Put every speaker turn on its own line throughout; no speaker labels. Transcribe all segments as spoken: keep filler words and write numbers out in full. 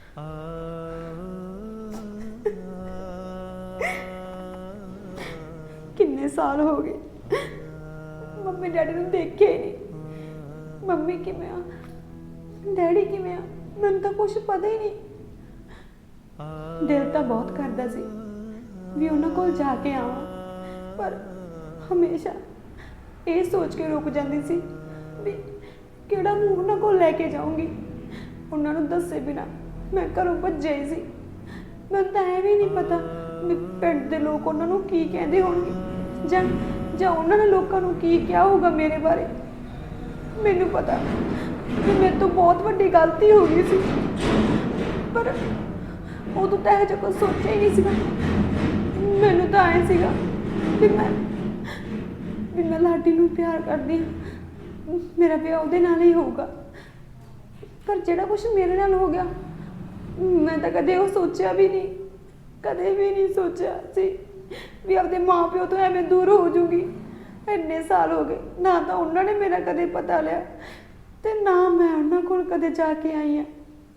किन्ने साल हो गए मम्मी डैडी नूं देखे ही नहीं। मम्मी किवें आ डैडी किवें आ मैनूं तां कुछ पता ही नहीं। दिल तां बहुत करदा सी भी उन्हां कोल जाके आवां, पर हमेशा ये सोच के रुक जाती सी भी किहड़ा मूँह उन्हां कोल लैके जाऊँगी। उन्हां नूं दस्से बिना मैं घरों भज्जे ही सी। मैनूं तां ऐ भी नहीं पता भी पिंड दे लोग उन्हां नूं की कहंदे होणगे जां जां उन्हां ने लोकां नूं की किहा होगा मेरे बारे। मैनूं पता कि मेरे तो बहुत वड्डी गलती हो गई सी, पर उदों तां इहो जिहा कुछ सोचिया ही नहीं सीगा। मैनूं तां आए सीगा भी मैं भी मैं लाडी नूं प्यार करदी हां, मेरा विआह उहदे नाल ही होऊगा। पर जिहड़ा कुछ मेरे नाल हो गया मैं तां कदे ओह सोचिया भी नहीं, कदे भी नहीं सोचिया सी भी अपने माँ प्यो तो एवें दूर हो जूगी। इन्ने साल हो गए ना तो उन्होंने मेरा कदे पता लिया ते ना मैं उन्होंने कोल कदे जाके आई हाँ।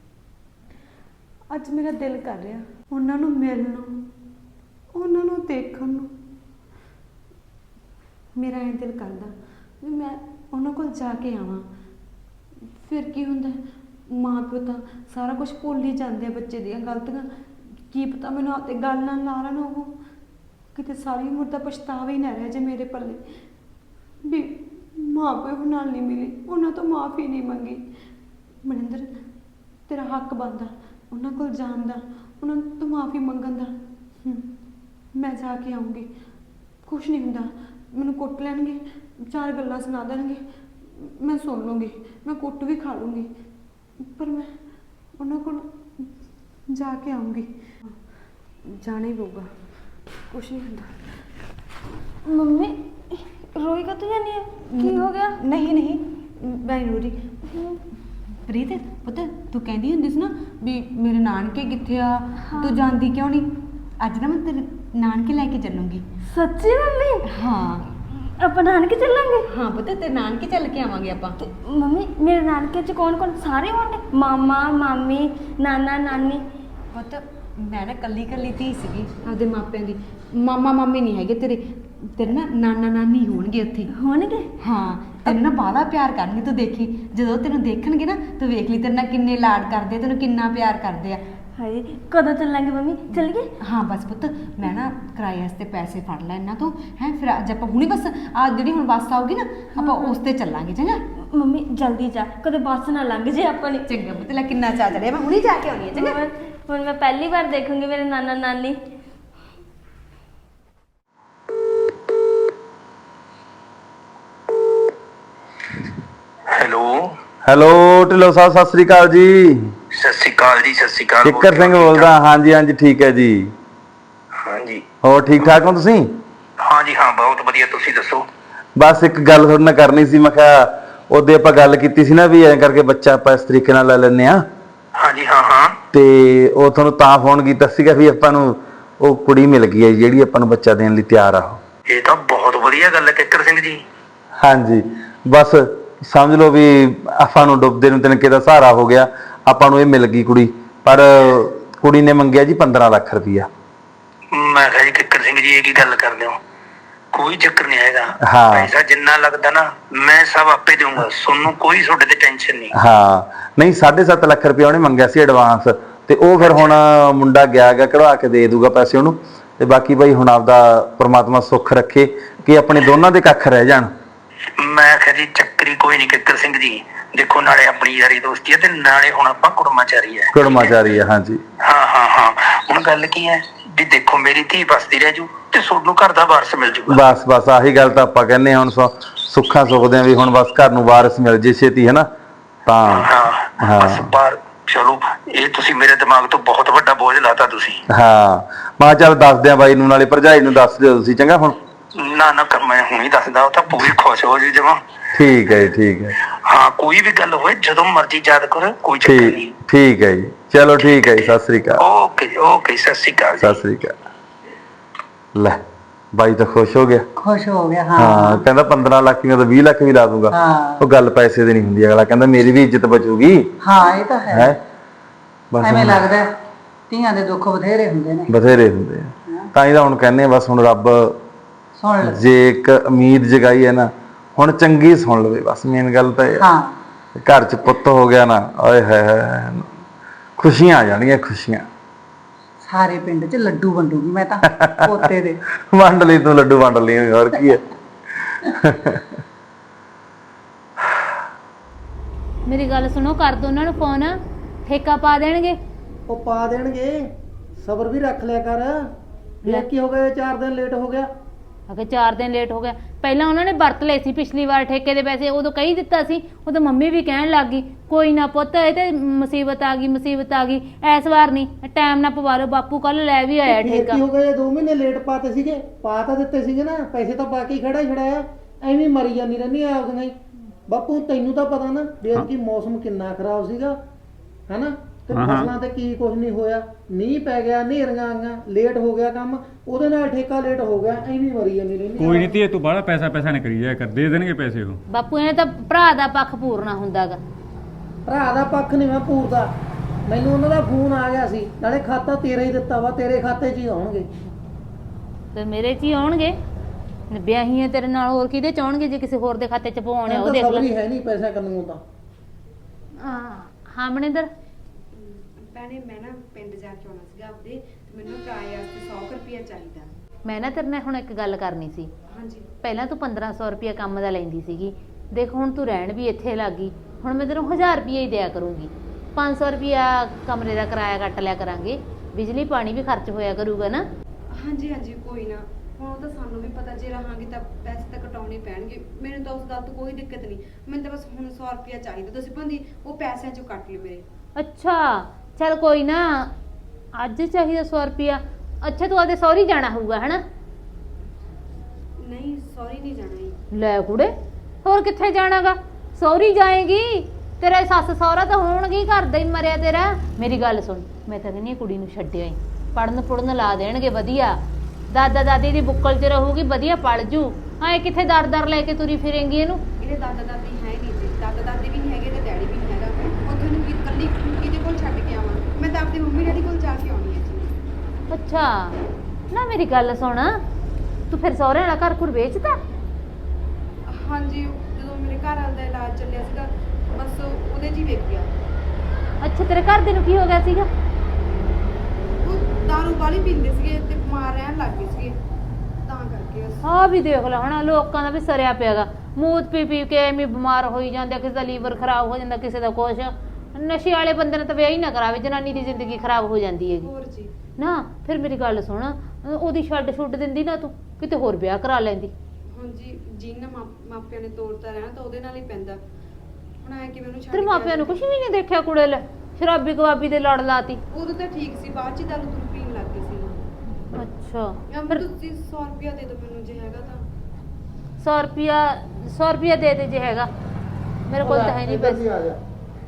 अज मेरा दिल कर रहा उन्होंने मिलण उन्होंने देखण नूं। मेरा ऐ दिल करदा भी मैं उन्होंने कोल जाके आवां। फिर की हुंदा माँ प्यो तो सारा कुछ भुल ही जाते हैं बच्चे दियां गलतियां। की पता मैनूं आपते गल नाल ला लैण ओह किते सारी उम्र दा पछतावा ही ना रह जाए मेरे पल्ले भी माँ प्यो नाल नहीं मिली, उन्होंने तो माफ़ी नहीं मंगी। मनिंदर तेरा हक बनदा उन्होंने कोल जाण दा, उन्होंने तो माफ़ी मंगण दा। मैं जाके आऊँगी, कुछ नहीं हुंदा। मैनूं कुट लैणगे, चार गल्लां सुना देणगे, मैं सुन लूँगी, मैं कुट भी खा लूँगी, पर मैं उन्होंने कोल जाके आऊँगी। जाना ही पऊगा, कुछ नहीं होता।
मम्मी रोई का तो जानी है की हो गया?
नहीं नहीं मैं नहीं रो रही। प्रीत पता तू कहती हुंदी सी ना भी मेरे नानके कित्थे आ, हाँ। तू जांदी क्यों नहीं? अज ना मैं तेरे नानके लैके चलूँगी।
सच्ची मम्मी?
हाँ
ਆਪਾਂ ਨਾਨਕੇ ਚੱਲਾਂਗੇ।
हाँ पता तेरे नानके चल के आवांगे आपां।
मम्मी मेरे नानके च कौन कौन सारे होंगे? मामा मामी नाना नानी।
पता मैं ना कल्ली कल्ली धी सीगी आपदे मापिਆਂ ਦੀ। मामा मामी नहीं हैगे तेरे, तेरे ना नाना नानी होणगे उत्थे।
होणगे?
हाँ तेरे ना बाला प्यार करनगे। तू देखी जदों तेनों देखणगे ना तू वेख ली तेरे ना किन्ने लाड करदे, तेनों किन्ना प्यार करदे आ।
हाय कदों चलांगे मम्मी? चलिए।
हाँ बस पुत्त मैं ना किराए वास्ते पैसे फड़ लै इन्हां तो है, फिर अज आपां हुणी बस आ जिहड़ी हुण बस आऊगी ना आपां उस ते चलांगे। चंगा
मम्मी जल्दी जा कदे बस ना लंघ जे अपनी।
चंगा पुत्त लै किन्ना चा चढ़िया, मैं हुणी जाके आउणी है। चंगा
हुण मैं पहली बार देखूंगी मेरे नाना नानी।
हेलो
हेलो ढिल्लों साहब सत श्री अकाल जी।
सत श्री अकाल जी। सत श्री अकाल।
किकर सिंह बोलदा। हाँ जी हाँ जी ठीक है जी।
हाँ जी
ਹੋਰ ठीक ठाक हो तुसीं?
हाँ जी हाँ बहुत वधिया। तुसीं दसो।
बस एक गल तुहाडे नाल करनी सी। मैं कहा ਉਹਦੇ ਆਪਾਂ ਗੱਲ ਕੀਤੀ ਸੀ ਨਾ ਵੀ ਐਂ ਕਰਕੇ ਬੱਚਾ ਆਪਾਂ ਇਸ ਤਰੀਕੇ ਨਾਲ ਲੈ ਲੈਂਦੇ ਆ।
हाँ जी हाँ हाँ
ਤੇ ਉਹ ਤੁਹਾਨੂੰ ਤਾਂ ਫੋਨ ਕੀਤਾ ਸੀਗਾ ਵੀ ਆਪਾਂ ਨੂੰ ਉਹ ਕੁੜੀ ਮਿਲ ਗਈ ਹੈ ਜਿਹੜੀ ਆਪਾਂ ਨੂੰ ਬੱਚਾ ਦੇਣ ਲਈ ਤਿਆਰ ਆ।
ਇਹ ਤਾਂ ਬਹੁਤ ਵਧੀਆ ਗੱਲ ਹੈ ਕਿੱਕਰ ਸਿੰਘ ਜੀ।
ਹਾਂਜੀ ਬਸ ਸਮਝ ਲਓ ਵੀ ਆਪਾਂ ਨੂੰ ਡੁੱਬਦੇ ਨੂੰ ਤਿਨਕੇ ਦਾ ਸਹਾਰਾ ਹੋ ਗਿਆ। ਆਪਾਂ ਨੂੰ ਇਹ ਮਿਲ ਗਈ ਕੁੜੀ, ਪਰ ਕੁੜੀ ਨੇ ਮੰਗਿਆ ਜੀ ਪੰਦਰਾਂ ਲੱਖ ਰੁਪਈਆ।
ਮੈਂ ਕਿਹਾ ਜੀ ਕਿੱਕਰ ਸਿੰਘ ਜੀ ਇਹ ਕੀ ਗੱਲ ਕਰਦੇ ਹੋ? ਕੋਈ ਚੱਕਰ ਨਹੀਂ ਹੈਗਾ।
ਹਾਂ
ਪੈਸਾ ਜਿੰਨਾ ਲੱਗਦਾ ਨਾ ਮੈਂ ਸਭ ਆਪੇ ਦੇਵਾਂਗਾ, ਤੁਹਾਨੂੰ ਕੋਈ ਤੁਹਾਡੇ ਤੇ ਟੈਨਸ਼ਨ ਨਹੀਂ।
ਹਾਂ ਨਹੀਂ ਸਾਢੇ ਸੱਤ ਲੱਖ ਰੁਪਇਆ ਉਹਨੇ ਮੰਗਿਆ ਸੀ ਐਡਵਾਂਸ, ਤੇ ਉਹ ਫਿਰ ਹੁਣ ਮੁੰਡਾ ਗਿਆ ਗਾ ਕਢਵਾ ਕੇ ਦੇ ਦੂਗਾ ਪੈਸੇ ਉਹਨੂੰ। ਤੇ ਬਾਕੀ ਭਾਈ ਹੁਣ ਆਪਦਾ ਪ੍ਰਮਾਤਮਾ ਸੁੱਖ ਰੱਖੇ ਕਿ ਆਪਣੇ ਦੋਨਾਂ ਦੇ ਕੱਖ ਰਹਿ ਜਾਣ।
ਮੈਂ ਕਿਹਾ ਜੀ ਚੱਕਰੀ ਕੋਈ ਨਹੀਂ ਕਿੱਕਰ ਸਿੰਘ ਜੀ। ਦੇਖੋ ਨਾਲੇ ਆਪਣੀ ਯਾਰੀ ਦੋਸਤੀ ਹੈ ਤੇ ਨਾਲੇ ਹੁਣ ਆਪਾਂ ਕੁੜਮਾਚਾਰੀ ਹੈ।
ਕੁੜਮਾਚਾਰੀ ਹੈ ਹਾਂਜੀ।
ਹਾਂ ਹਾਂ ਹਾਂ ਹੁਣ ਗੱਲ ਕੀ ਹੈ ਵੀ ਦੇਖੋ ਮੇਰੀ ਧੀ ਬਸਦੀ ਰਹਿ ਜੂ ਤੇ ਤੁਹਾਨੂੰ ਘਰ ਦਾ ਵਾਰਸ ਮਿਲ ਜੂਗਾ।
ਬਸ ਬਸ ਆਹੀ ਗੱਲ ਤਾਂ ਆਪਾਂ ਕਹਿੰਦੇ ਹੁਣ ਸੁੱਖਾਂ ਸੁਖਦੇ ਆ ਵੀ ਹੁਣ ਬਸ ਘਰ ਨੂੰ ਵਾਰਸ ਮਿਲ ਜੇ ਛੇਤੀ ਹੈ ਨਾ ਤਾਂ।
ਹਾਂ ਬਸ ਪਰ ਚਲੋ ਇਹ ਤੁਸੀਂ ਮੇਰੇ ਦਿਮਾਗ ਤੋਂ ਬਹੁਤ ਵੱਡਾ ਬੋਝ ਲਾਤਾ ਤੁਸੀਂ।
ਹਾਂ ਮੈਂ ਚੱਲ ਦੱਸਦੇ ਆ ਬਾਈ ਨੂੰ, ਨਾਲੇ ਭਰਜਾਈ ਨੂੰ ਦੱਸ ਦਿਓ ਤੁਸੀਂ। ਚੰਗਾ ਹੁਣ
ਨਾ ਨਾ ਕਰ ਮੈਂ ਹੁਣੀ ਦੱਸਦਾ, ਉਹ ਤਾਂ ਪੂਰੀ ਖੁਸ਼ ਹੋ ਜੀ ਜਮਾ।
ਠੀਕ ਹੈ ਜੀ ਠੀਕ ਹੈ।
ਹਾਂ ਕੋਈ ਵੀ ਗੱਲ ਹੋਏ ਜਦੋਂ ਮਰਜ਼ੀ ਯਾਦ ਕਰੋ, ਕੋਈ ਚੱਕਰ ਨਹੀਂ।
ਠੀਕ ਹੈ ਜੀ ਚਲੋ ਠੀਕ ਹੈ ਜੀ। ਸਤਿ ਸ੍ਰੀ ਅਕਾਲ।
ਓਕੇ ਜੀ ਓਕੇ ਸਤਿ ਸ੍ਰੀ ਅਕਾਲ।
ਸਤਿ ਸ੍ਰੀ ਅਕਾਲ। ਲੈ ਬਾਈ ਤਾਂ ਖੁਸ਼ ਹੋ ਗਿਆ।
खुश हो गया। हाँ
ਹਾਂ ਕਹਿੰਦਾ ਪੰਦਰਾਂ ਲੱਖ ਨਹੀਂ ਤਾਂ ਵੀਹ ਲੱਖ ਵੀ ਲਾ ਦੂੰਗਾ। ਉਹ ਗੱਲ ਪੈਸੇ ਦੀ ਨਹੀਂ ਹੁੰਦੀ, ਅਗਲਾ ਕਹਿੰਦਾ ਮੇਰੀ ਵੀ ਇੱਜ਼ਤ ਬਚੂਗੀ।
हाँ ये तो है।
ਹੈ ਬਸ
ਐਵੇਂ
ਹੁਣ
ਲੱਗਦਾ ਹੈ, ਧੀਆਂ ਦੇ ਦੁੱਖ ਬਥੇਰੇ ਹੁੰਦੇ ਨੇ।
ਬਥੇਰੇ ਹੁੰਦੇ ਆ, ਤਾਂ ਹੀ ਤਾਂ ਹੁਣ ਕਹਿੰਦੇ ਆ ਬਸ ਹੁਣ ਰੱਬ
ਸੁਣ ਲੈ।
ਜੇ ਇੱਕ ਉਮੀਦ ਜਗਾਈ ਹੈ ਨਾ, ਹੁਣ ਚੰਗੀ ਸੁਣ ਲਵੇ ਬਸ। ਮੇਨ ਗੱਲ ਤਾਂ ਇਹ ਆ।
ਹਾਂ
ਘਰ ਚ ਪੁੱਤ ਹੋ ਗਿਆ ਨਾ, ਓਏ ਹੈ ਖੁਸ਼ੀਆਂ ਆ ਜਾਣਗੀਆਂ, ਖੁਸ਼ੀਆਂ।
ਸਾਰੇ ਪਿੰਡ 'ਚ ਲੱਡੂ ਵੰਡੂਗੀ ਮੈਂ ਤਾਂ ਪੋਤੇ ਦੇ।
ਵੰਡ ਲਈ ਤੂੰ ਲੱਡੂ, ਵੰਡ ਲਈ, ਹੋਰ ਕੀ ਹੈ।
ਮੇਰੀ ਗੱਲ ਸੁਣੋ, ਕਰ ਦੋ ਉਹਨਾਂ ਨੂੰ ਫੋਨ, ਠੇਕਾ ਪਾ ਦੇਣਗੇ।
ਉਹ ਪਾ ਦੇਣਗੇ, ਸਬਰ ਵੀ ਰੱਖ ਲਿਆ ਕਰ।
ਲੈ।
ਇਹ ਕੀ ਹੋ ਗਿਆ, ਚਾਰ ਦਿਨ ਲੇਟ ਹੋ ਗਿਆ।
ਅਗੇ ਚਾਰ ਦਿਨ ਲੇਟ ਹੋ ਗਿਆ। ਪਹਿਲਾਂ ਉਹਨਾਂ ਨੇ ਵਰਤ ਲਏ ਸੀ ਪਿਛਲੀ ਵਾਰ ਠੇਕੇ ਦੇ ਪੈਸੇ, ਉਦੋਂ ਕਹੀ ਦਿੱਤਾ ਸੀ। ਉਦੋਂ ਮੰਮੀ ਵੀ ਕਹਿਣ ਲੱਗ ਗਈ ਕੋਈ ਨਾ ਪੁੱਤ, ਇਹ ਤੇ ਮੁਸੀਬਤ ਆ ਗਈ, ਮੁਸੀਬਤ ਆ ਗਈ, ਇਸ ਵਾਰ ਨਹੀਂ, ਟਾਈਮ ਨਾ ਪਵਾ ਲਓ। ਬਾਪੂ ਕੱਲ ਲੈ ਵੀ ਆਇਆ
ਫਿਰ
ਠੇਕਾ।
ਕੀ ਹੋ ਗਿਆ, ਦੋ ਮਹੀਨੇ ਲੇਟ ਪਾਤੇ ਸੀਗੇ, ਪਾ ਤਾਂ ਦਿੱਤੇ ਸੀਗੇ ਨਾ, ਪੈਸੇ ਤਾਂ ਬਾਕੀ ਖੜਾ ਹੀ ਖੜਾਇਆ। ਐਵੇਂ ਮਰੀ ਜਾਂਦੀ ਰਹਿੰਦੀ ਆ ਆਪਦੀਆਂ ਹੀ। ਬਾਪੂ ਤੈਨੂੰ ਤਾਂ ਪਤਾ ਨਾ ਵੀ ਕਿ ਮੌਸਮ ਕਿੰਨਾ ਖਰਾਬ ਸੀਗਾ, ਹਨਾ? ਤੇ ਫਸਲਾਂ ਤੇ ਕੀ ਕੁਝ ਨਹੀਂ ਹੋਇਆ, ਮੀਂਹ ਪੈ ਗਿਆ, ਹਨੇਰੀਆਂ ਆਈਆਂ, ਲੇਟ ਹੋ ਗਿਆ ਕੰਮ, ਉਹਦੇ ਨਾਲ ਠੇਕਾ ਲੇਟ ਹੋ ਗਿਆ। ਐਵੇਂ ਮਰੀ ਜਾਂਦੀ ਰਹਿੰਦੀ।
ਕੋਈ ਨਹੀਂ ਧੀਏ, ਤੂੰ ਬਾਹਲਾ ਪੈਸਾ ਪੈਸਾ ਨਾ ਕਰੀ ਜਾਇਆ ਕਰ, ਦੇ ਦੇਣਗੇ ਪੈਸੇ ਉਹ।
ਬਾਪੂ ਇਹਨੇ ਤਾਂ ਭਰਾ ਦਾ ਪੱਖ ਪੂਰਨਾ ਹੁੰਦਾਗਾ।
ਭਰਾ ਦਾ ਪੱਖ ਨਹੀਂ ਮੈਂ ਪੂਰਦਾ, ਮੈਨੂੰ ਉਹਨਾਂ ਦਾ ਫੋਨ ਆ ਗਿਆ ਸੀ, ਨਾਲੇ ਖਾਤਾ ਤੇਰਾ ਹੀ ਦਿੱਤਾ ਵਾ, ਤੇਰੇ ਖਾਤੇ 'ਚ ਹੀ ਆਉਣਗੇ।
ਤੇ ਮੇਰੇ 'ਚ ਹੀ ਆਉਣਗੇ, ਵਿਆਹੀਆਂ ਤੇਰੇ ਨਾਲ, ਹੋਰ ਕਿਹਦੇ ਚ ਆਉਣਗੇ? ਜੇ ਕਿਸੇ ਹੋਰ ਦੇ ਖਾਤੇ 'ਚ ਪਵਾਉਣੇ ਉਹ ਦੇਖ ਲੈ।
ਸਬਰੀ ਹੈ ਨਹੀਂ ਪੈਸਾ ਕਰਨ ਨੂੰ ਤਾਂ।
ਹਾਂ ਮਨਿੰਦਰ,
ਭੈਣੇ ਮੈਂ ਨਾ ਪਿੰਡ ਜਾ ਕੇ ਆਉਣਾ ਸੀਗਾ ਆਪਦੇ, ਤੇ ਮੈਨੂੰ ਕਿਰਾਏ ਵਾਸਤੇ ਸੌ ਰੁਪਇਆ ਚਾਹੀਦਾ।
ਮੈਂ ਨਾ ਤੇਰੇ ਨਾਲ ਹੁਣ ਇੱਕ ਗੱਲ ਕਰਨੀ ਸੀ।
ਹਾਂਜੀ।
ਪਹਿਲਾਂ ਤੂੰ ਪੰਦਰਾਂ ਸੌ ਰੁਪਇਆ ਕੰਮ ਦਾ ਲੈਂਦੀ ਸੀਗੀ, ਦੇਖ ਹੁਣ ਤੂੰ ਰਹਿਣ ਵੀ ਇੱਥੇ ਲੱਗ ਗਈ, ਹੁਣ ਮੈਂ ਤੈਨੂੰ ਹਜ਼ਾਰ ਰੁਪਇਆ ਹੀ ਦਿਆ ਕਰੂੰਗੀ। ਪੰਜ ਸੌ ਰੁਪਇਆ ਕਮਰੇ ਦਾ ਕਿਰਾਇਆ ਕੱਟ ਲਿਆ ਕਰਾਂਗੇ, ਬਿਜਲੀ ਪਾਣੀ ਵੀ ਖਰਚ ਹੋਇਆ ਕਰੂਗਾ ਨਾ।
ਹਾਂਜੀ ਹਾਂਜੀ ਕੋਈ ਨਾ, ਹੁਣ ਉਹ ਤਾਂ ਸਾਨੂੰ ਵੀ ਪਤਾ, ਜੇ ਰਹਾਂਗੇ ਤਾਂ ਪੈਸੇ ਤਾਂ ਕਟਾਉਣੇ ਪੈਣਗੇ। ਮੈਨੂੰ ਤਾਂ ਉਸ ਗੱਲ ਤੋਂ ਕੋਈ ਦਿੱਕਤ ਨਹੀਂ, ਮੈਨੂੰ ਤਾਂ ਬਸ ਹੁਣ ਸੌ ਰੁਪਇਆ ਚਾਹੀਦਾ। ਤੁਸੀਂ ਭਾਂਦੀ ਉਹ ਪੈਸਿਆਂ ਚੋਂ ਕੱਟ ਲਿਓ ਮੇਰੇ।
ਅੱਛਾ ਚੱਲ ਕੋਈ ਨਾ, ਅੱਜ ਚਾਹੀਦਾ ਸੌ ਰੁਪਇਆ। ਅੱਛਾ ਤੂੰ ਆਦੇ ਸਹੁਰੀ ਜਾਣਾ ਹੋਊਗਾ ਹਨਾ?
ਨਹੀਂ ਸੌਰੀ ਨਹੀਂ ਜਾਣਾ ਜੀ।
ਲੈ ਕੁੜੇ, ਹੋਰ ਕਿੱਥੇ ਜਾਣਾਗਾ? ਸਹੁਰੀ ਜਾਏਗੀ, ਤੇਰੇ ਸੱਸ ਸਹੁਰਾ ਤਾਂ ਹੋਣਗੇ, ਘਰ ਦਾ ਹੀ ਮਰਿਆ ਤੇਰਾ। ਮੇਰੀ ਗੱਲ ਸੁਣ, ਮੈਂ ਤਾਂ ਕਹਿੰਦੀ ਕੁੜੀ ਨੂੰ ਛੱਡਿਆ ਹੀ, ਪੜਨ ਪੁੜਨ ਲਾ ਦੇਣਗੇ ਵਧੀਆ, ਦਾਦਾ ਦਾਦੀ ਦੀ ਬੁੱਕਲ 'ਚ ਰਹੂਗੀ, ਵਧੀਆ ਪੜ ਜੂ। ਹਾਂ ਕਿੱਥੇ ਦਰ ਦਰ ਲੈ ਕੇ ਤੁਰੀ ਫਿਰੇਂਗੀ ਇਹਨੂੰ?
ਇਹਦੇ ਦਾਦਾ ਦਾਦੀ ਹੈ ਨਹੀਂ ਜੀ, ਦਾਦਾ ਦਾਦੀ ਵੀ ਨਹੀਂ ਹੈਗੇ ਤੇ ਡੈਡੀ ਵੀ ਨਹੀਂ ਹੈਗਾ। ਉੱਥੇ ਨੂੰ ਕੀ ਇਕੱਲੀ ਕਿਹਦੇ ਕੋਲ ਛੱਡ ਕੇ ਆਵਾਂ? ਮੈਂ ਤਾਂ ਆਪਣੀ ਮੰਮੀ ਡੈਡੀ ਕੋਲ ਜਾ ਕੇ ਆਉਣੀ ਹੈ ਜੀ।
ਅੱਛਾ ਨਾ ਮੇਰੀ ਗੱਲ ਸੁਣ, ਤੂੰ ਫਿਰ ਸਹੁਰੇ ਵਾਲਾ ਘਰ ਘੁਰ ਵੇਚਦਾ?
ਹਾਂਜੀ, ਜਦੋਂ ਮੇਰੇ ਘਰ ਵਾਲੇ ਦਾ ਇਲਾਜ ਚੱਲਿਆ ਸੀਗਾ, ਬਸ ਉਹਦੇ 'ਚ ਹੀ ਵੇਚ ਗਿਆ।
ਅੱਛਾ ਤੇਰੇ ਘਰ ਦੇ ਨੂੰ ਕੀ ਹੋ ਗਿਆ ਸੀਗਾ?
ਉਹ ਦਾਰੂ ਵਾਲੀ ਪੀਂਦੇ ਸੀਗੇ ਤੇ ਬਿਮਾਰ ਰਹਿਣ ਲੱਗ ਗਏ ਸੀਗੇ, ਤਾਂ ਕਰਕੇ ਬਸ।
ਆ ਵੀ ਦੇਖ ਲੈ ਹਣਾ, ਲੋਕਾਂ ਦਾ ਵੀ ਸਰਿਆ ਪਿਆਗਾ, ਮੂਤ ਪੀ ਪੀ ਕੇ ਐਵੇਂ ਬਿਮਾਰ ਹੋਈ ਜਾਂਦੇ, ਕਿਸੇ ਦਾ ਲੀਵਰ ਖਰਾਬ ਹੋ ਜਾਂਦਾ, ਕਿਸੇ ਦਾ ਕੁਛ। ਨਸ਼ੇ ਵਾਲੇ ਬੰਦੇ ਨੇ ਤਾਂ ਵਿਆਹ ਹੀ ਨਾ ਕਰਾਵੇ, ਜਨਾਨੀ ਦੀ ਜ਼ਿੰਦਗੀ ਖਰਾਬ ਹੋ ਜਾਂਦੀ ਹੈਗੀ
ਹੋਰ ਜੀ।
ਨਾ ਫਿਰ ਮੇਰੀ ਗੱਲ ਸੁਣ, ਉਹਦੀ ਛੱਡ ਛੁੱਡ ਦਿੰਦੀ ਨਾ, ਤੂੰ ਕਿਤੇ ਹੋਰ ਵਿਆਹ ਕਰਾ ਲੈਂਦੀ।
ਹਾਂਜੀ ਜਿਹਨਾਂ ਮਾਪਿਆਂ ਨੇ ਤੋੜਤਾ ਰਹਿਣਾ ਤਾਂ ਉਹਦੇ ਨਾਲ ਹੀ ਪੈਂਦਾ। ਹੁਣ ਐ ਕਿਵੇਂ ਉਹਨੂੰ ਛੱਡ
ਤੇਰੇ ਮਾਪਿਆਂ ਨੂੰ ਕੁਛ ਵੀ ਨਹੀਂ ਦੇਖਿਆ ਕੁੜੇ? ਲੈ ਸ਼ਰਾਬੀ ਕਬਾਬੀ ਦੇ ਲੜ ਲਾਤੀ।
ਉਦੋਂ ਤਾਂ ਠੀਕ ਸੀ, ਬਾਅਦ 'ਚ ਦਾਰੂ ਦੂਰੂ ਪੀਣ ਲੱਗ ਗਈ ਸੀ।
ਅੱਛਾ
ਜਾਂ
ਫਿਰ
ਤੁਸੀਂ ਸੌ ਰੁਪਇਆ ਦੇ ਦਿਓ ਮੈਨੂੰ, ਜੇ ਹੈਗਾ ਤਾਂ।
ਸੌ ਰੁਪਿਆ ਸੌ ਰੁਪਿਆ ਦੇ ਦੇ ਜੇ ਹੈਗਾ, ਮੇਰੇ ਕੋਲ ਤਾਂ ਹੈ ਨਹੀਂ ਪੈਸੇ।
ਆ ਜਾ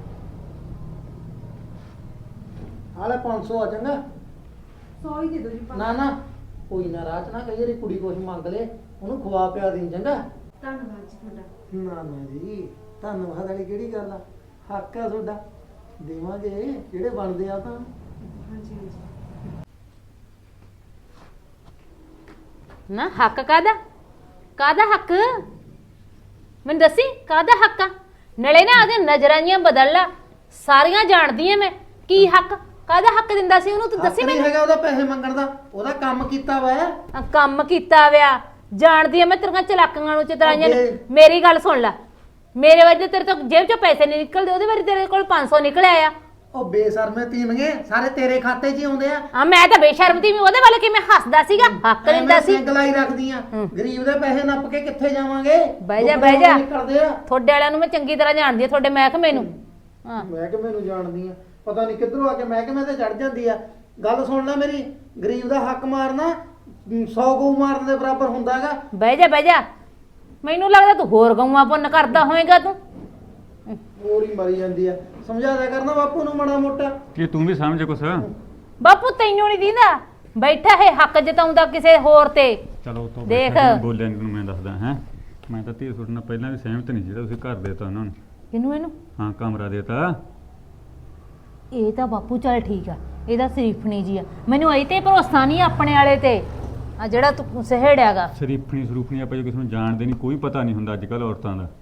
ਹਾਲੇ ਪੰਜ ਸੌ ਆ ਚੰਗਾ।
ਸੌ ਹੀ ਦੇ ਦਿਓ ਜੀ।
ਨਾ ਨਾ ਕੋਈ ਨਾ, ਰਾਤ ਨਾ ਕਈ ਵਾਰੀ ਕੁੜੀ ਕੁਛ ਮੰਗ ਲੇ, ਉਹਨੂੰ ਖਵਾ ਪਿਆ ਦੇਂ ਚੰਗਾ।
ਧੰਨਵਾਦ ਜੀ ਤੁਹਾਡਾ।
ਨਾ ਨਾ ਜੀ, ਧੰਨਵਾਦ ਵਾਲੀ ਕਿਹੜੀ ਗੱਲ ਆ, ਹੱਕ ਆ ਤੁਹਾਡਾ, ਦੇਵਾਂਗੇ ਜਿਹੜੇ ਬਣਦੇ ਆ ਤਾਂ।
ਹਾਂਜੀ ਹਾਂਜੀ।
ਨਾ ਹੱਕ ਕਾਦਾ ਕਾਦਾ ਹੱਕ ਮੈਨੂੰ ਦੱਸੀ, ਕਾਦਾ ਹੱਕ ਆ? ਨਲੇ ਨਾ ਆਦੇ ਨਜ਼ਰਾਂ ਜੀਆਂ ਬਦਲ ਲਾ, ਸਾਰੀਆਂ ਜਾਣਦੀ ਐ ਮੈਂ। ਕੀ ਹੱਕ, ਕਾਦਾ ਹੱਕ ਦਿੰਦਾ ਸੀ ਉਹਨੂੰ? ਤੂੰ ਦੱਸੀ
ਹੱਕ ਨਹੀਂ
ਮੈਨੂੰ।
ਹੈਗਾ ਉਹਦਾ ਪੈਸੇ ਮੰਗਣ ਦਾ, ਉਹਦਾ ਕੰਮ ਕੀਤਾ ਵਾ।
ਆ, ਕੰਮ ਕੀਤਾ ਵਿਆ, ਜਾਣਦੀ ਐ ਮੈਂ ਤੇਰੀਆਂ ਚਲਾਕੀਆਂ ਨੂੰ, ਚਤਰਾਈਆਂ ਨੂੰ।
ਅੱਗੇ।
ਮੇਰੀ ਗੱਲ ਸੁਣ ਲੈ, ਮੇਰੇ ਵਜੇ ਤੇਰੇ ਤੋਂ ਜੇਬ ਚੋਂ ਪੈਸੇ ਨਹੀਂ ਨਿਕਲਦੇ, ਉਹਦੇ ਵਾਰੀ ਤੇਰੇ ਕੋਲ ਪੰਜ ਸੌ ਨਿਕਲਿਆ ਆ।
ਉਹ ਬੇਸ਼ਰਮੇ ਤੀਮਗੇ, ਸਾਰੇ ਤੇਰੇ ਖਾਤੇ 'ਚ ਹੀ ਆਉਂਦੇ ਆ।
ਆ ਮੈਂ ਤਾਂ ਬੇਸ਼ਰਮ ਤੀ, ਉਹਦੇ ਵੱਲ ਕਿਵੇਂ ਹੱਸਦਾ ਸੀਗਾ, ਹੱਕ ਦਿੰਦਾ ਸੀ।
ਗਲਾਈ ਰੱਖਦੀਆਂ, ਗਰੀਬ ਦੇ ਪੈਸੇ ਨੱਪ ਕੇ ਕਿੱਥੇ ਜਾਵਾਂਗੇ?
ਬਹਿ ਜਾ ਬਹਿ ਜਾ,
ਨਿਕਲਦੇ ਆ।
ਤੁਹਾਡੇ ਵਾਲਿਆਂ ਨੂੰ ਮੈਂ ਚੰਗੀ ਤਰ੍ਹਾਂ ਜਾਣਦੀ ਆ, ਤੁਹਾਡੇ ਮਹਿਕਮੇ ਨੂੰ। ਹਾਂ
ਮਹਿਕਮੇ ਨੂੰ ਜਾਣਦੀ ਆ, ਪਤਾ ਨਹੀਂ ਕਿੱਧਰੋਂ ਆ ਕੇ ਮਹਿਕਮੇ ਤੇ ਚੜ ਜਾਂਦੀ ਆ। ਗੱਲ ਸੁਣ ਲੈ ਮੇਰੀ, ਗਰੀਬ ਦਾ ਹੱਕ ਮਾਰਨਾ ਸੌ ਗਊ ਮਾਰਨ ਦੇ ਬਰਾਬਰ ਹੁੰਦਾ ਹੈਗਾ।
ਬਹਿ ਜਾ ਬਹਿ ਜਾ, ਮੈਨੂੰ ਲੱਗਦਾ ਤੂੰ ਹੋਰ ਗਊਆਂ ਪੁੰਨ ਕਰਦਾ ਹੋਏਗਾ ਤੂੰ।
ਹੋਰ ਹੀ ਮਰੀ ਜਾਂਦੀ ਆ, ਸਮਝਾ ਦਿਆ ਕਰਨਾ ਬਾਪੂ ਨੂੰ ਮਾੜਾ ਮੋਟਾ।
ਕੀ ਤੂੰ ਵੀ ਸਮਝ ਕੁਛ?
ਬਾਪੂ ਤੈਨੂੰ ਨਹੀਂ ਦੀਦਾ, ਬੈਠਾ ਹੈ ਹੱਕ ਜਤਾਉਂਦਾ ਕਿਸੇ ਹੋਰ ਤੇ।
ਚਲੋ ਤੋਂ
ਦੇਖ।
ਬੋਲਿਆ ਨੀ ਤੈਨੂੰ ਮੈਂ ਦੱਸਦਾ ਹੈ, ਮੈਂ ਤਾਂ ਧੀਰ ਤੁਹਾਡੇ ਨਾਲ ਪਹਿਲਾਂ ਵੀ ਸਹਿਮਤ ਨਹੀਂ, ਜਿਹੜਾ ਤੁਸੀਂ ਘਰ ਦੇਤਾ ਉਹਨਾਂ ਨੂੰ।
ਕਿਹਨੂੰ? ਇਹਨੂੰ?
ਹਾਂ ਕਮਰਾ ਦੇਤਾ।
ਇਹ ਤਾਂ ਬਾਪੂ ਚੱਲ ਠੀਕ ਆ, ਇਹਦਾ ਸ਼ਰੀਫਣੀ ਜੀ ਆ, ਮੈਨੂੰ ਇਹ ਤੇ ਭਰੋਸਾ ਨਹੀਂ ਆਪਣੇ ਵਾਲੇ ਤੇ, ਆ ਜਿਹੜਾ ਤੂੰ ਸਹੇੜਿਆਗਾ।
ਸ਼ਰੀਫਣੀ ਸਰੂਫਣੀ ਆਪਾਂ ਜੇ ਕਿਸੇ ਨੂੰ ਜਾਣਦੇ ਨਹੀਂ, ਕੋਈ ਪਤਾ ਨਹੀਂ ਹੁੰਦਾ ਅੱਜ ਕੱਲ ਔਰਤਾਂ ਦਾ।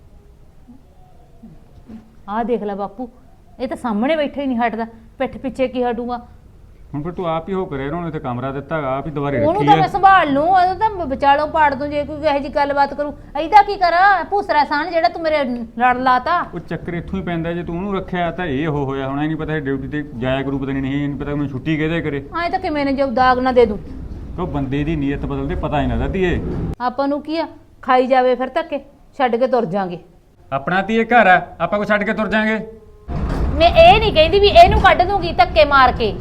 ਆਹ ਦੇਖ ਲੈ ਬਾਪੂ, ਇਹ ਤਾਂ ਸਾਹਮਣੇ ਬੈਠਾ ਹੀ ਨਹੀਂ ਹਟਦਾ, ਪਿੱਠ ਪਿੱਛੇ ਕੀ ਹਟੂਗਾ।
ਹੁਣ ਫਿਰ ਤੂੰ ਆਪ ਹੀ ਹੋ ਕਰਿਆ, ਉਹਨੂੰ ਇੱਥੇ ਕਮਰਾ ਦਿੱਤਾ ਹੈਗਾ, ਆਪ ਹੀ ਦੁਬਾਰੇ
ਉਹਨੂੰ
ਰੱਖੀ
ਤਾਂ ਮੈਂ
ਹੈ।
ਸੰਭਾਲ ਲੂੰ, ਉਹਨੂੰ ਤਾਂ ਵਿਚਾਲੋਂ ਪਾੜ ਦੂੰ ਜੇ ਕੋਈ ਇਹੋ ਜਿਹੀ ਗੱਲਬਾਤ ਕਰੂ। ਇਹਦਾ ਕੀ ਕਰਾਂ, ਭੂਸਰਾ ਸਾਨ ਜਿਹੜਾ ਤੂੰ ਮੇਰੇ ਲੜ ਲਾਤਾ।
ਉਹ ਚੱਕਰ ਇੱਥੋਂ ਹੀ ਪੈਂਦਾ, ਜੇ ਤੂੰ ਉਹਨੂੰ ਰੱਖਿਆ ਤਾਂ ਇਹ ਉਹ ਹੋਇਆ ਹੋਣਾ, ਨਹੀਂ ਪਤਾ ਡਿਊਟੀ ਤੇ ਜਾਇਆ ਕਰੂ, ਪਤਾ ਨਹੀਂ ਨਹੀਂ ਪਤਾ ਮੈਨੂੰ ਛੁੱਟੀ ਕਿਹਦੇ ਕਰੇ।
ਐਂ ਤਾਂ ਕਿਵੇਂ ਨੇ ਜੋ ਦਾਗ ਨਾ ਦੇ ਦੂੰ।
ਉਹ ਬੰਦੇ ਦੀ ਨੀਅਤ ਬਦਲਦੇ ਪਤਾ ਹੀ ਨਾ ਲੱਗਦੀ ਏ।
ਆਪਾਂ ਨੂੰ ਕੀ ਆ, ਖਾਈ ਜਾਵੇ ਫਿਰ ਧੱਕੇ, ਛੱਡ ਕੇ ਤੁਰ ਜਾਾਂਗੇ।
ਆਪਣਾ ਤੀ ਇਹ ਘਰ ਆ, ਆਪਾਂ ਕੋ ਛੱਡ ਕੇ ਤੁਰ ਜਾਾਂਗੇ।
ਮੈਂ ਇਹ ਨਹੀਂ ਕਹਿੰਦੀ ਵੀ ਇਹਨੂੰ ਕੱਢ ਦੂੰਗੀ ਧੱਕੇ ਮਾਰ ਕੇ।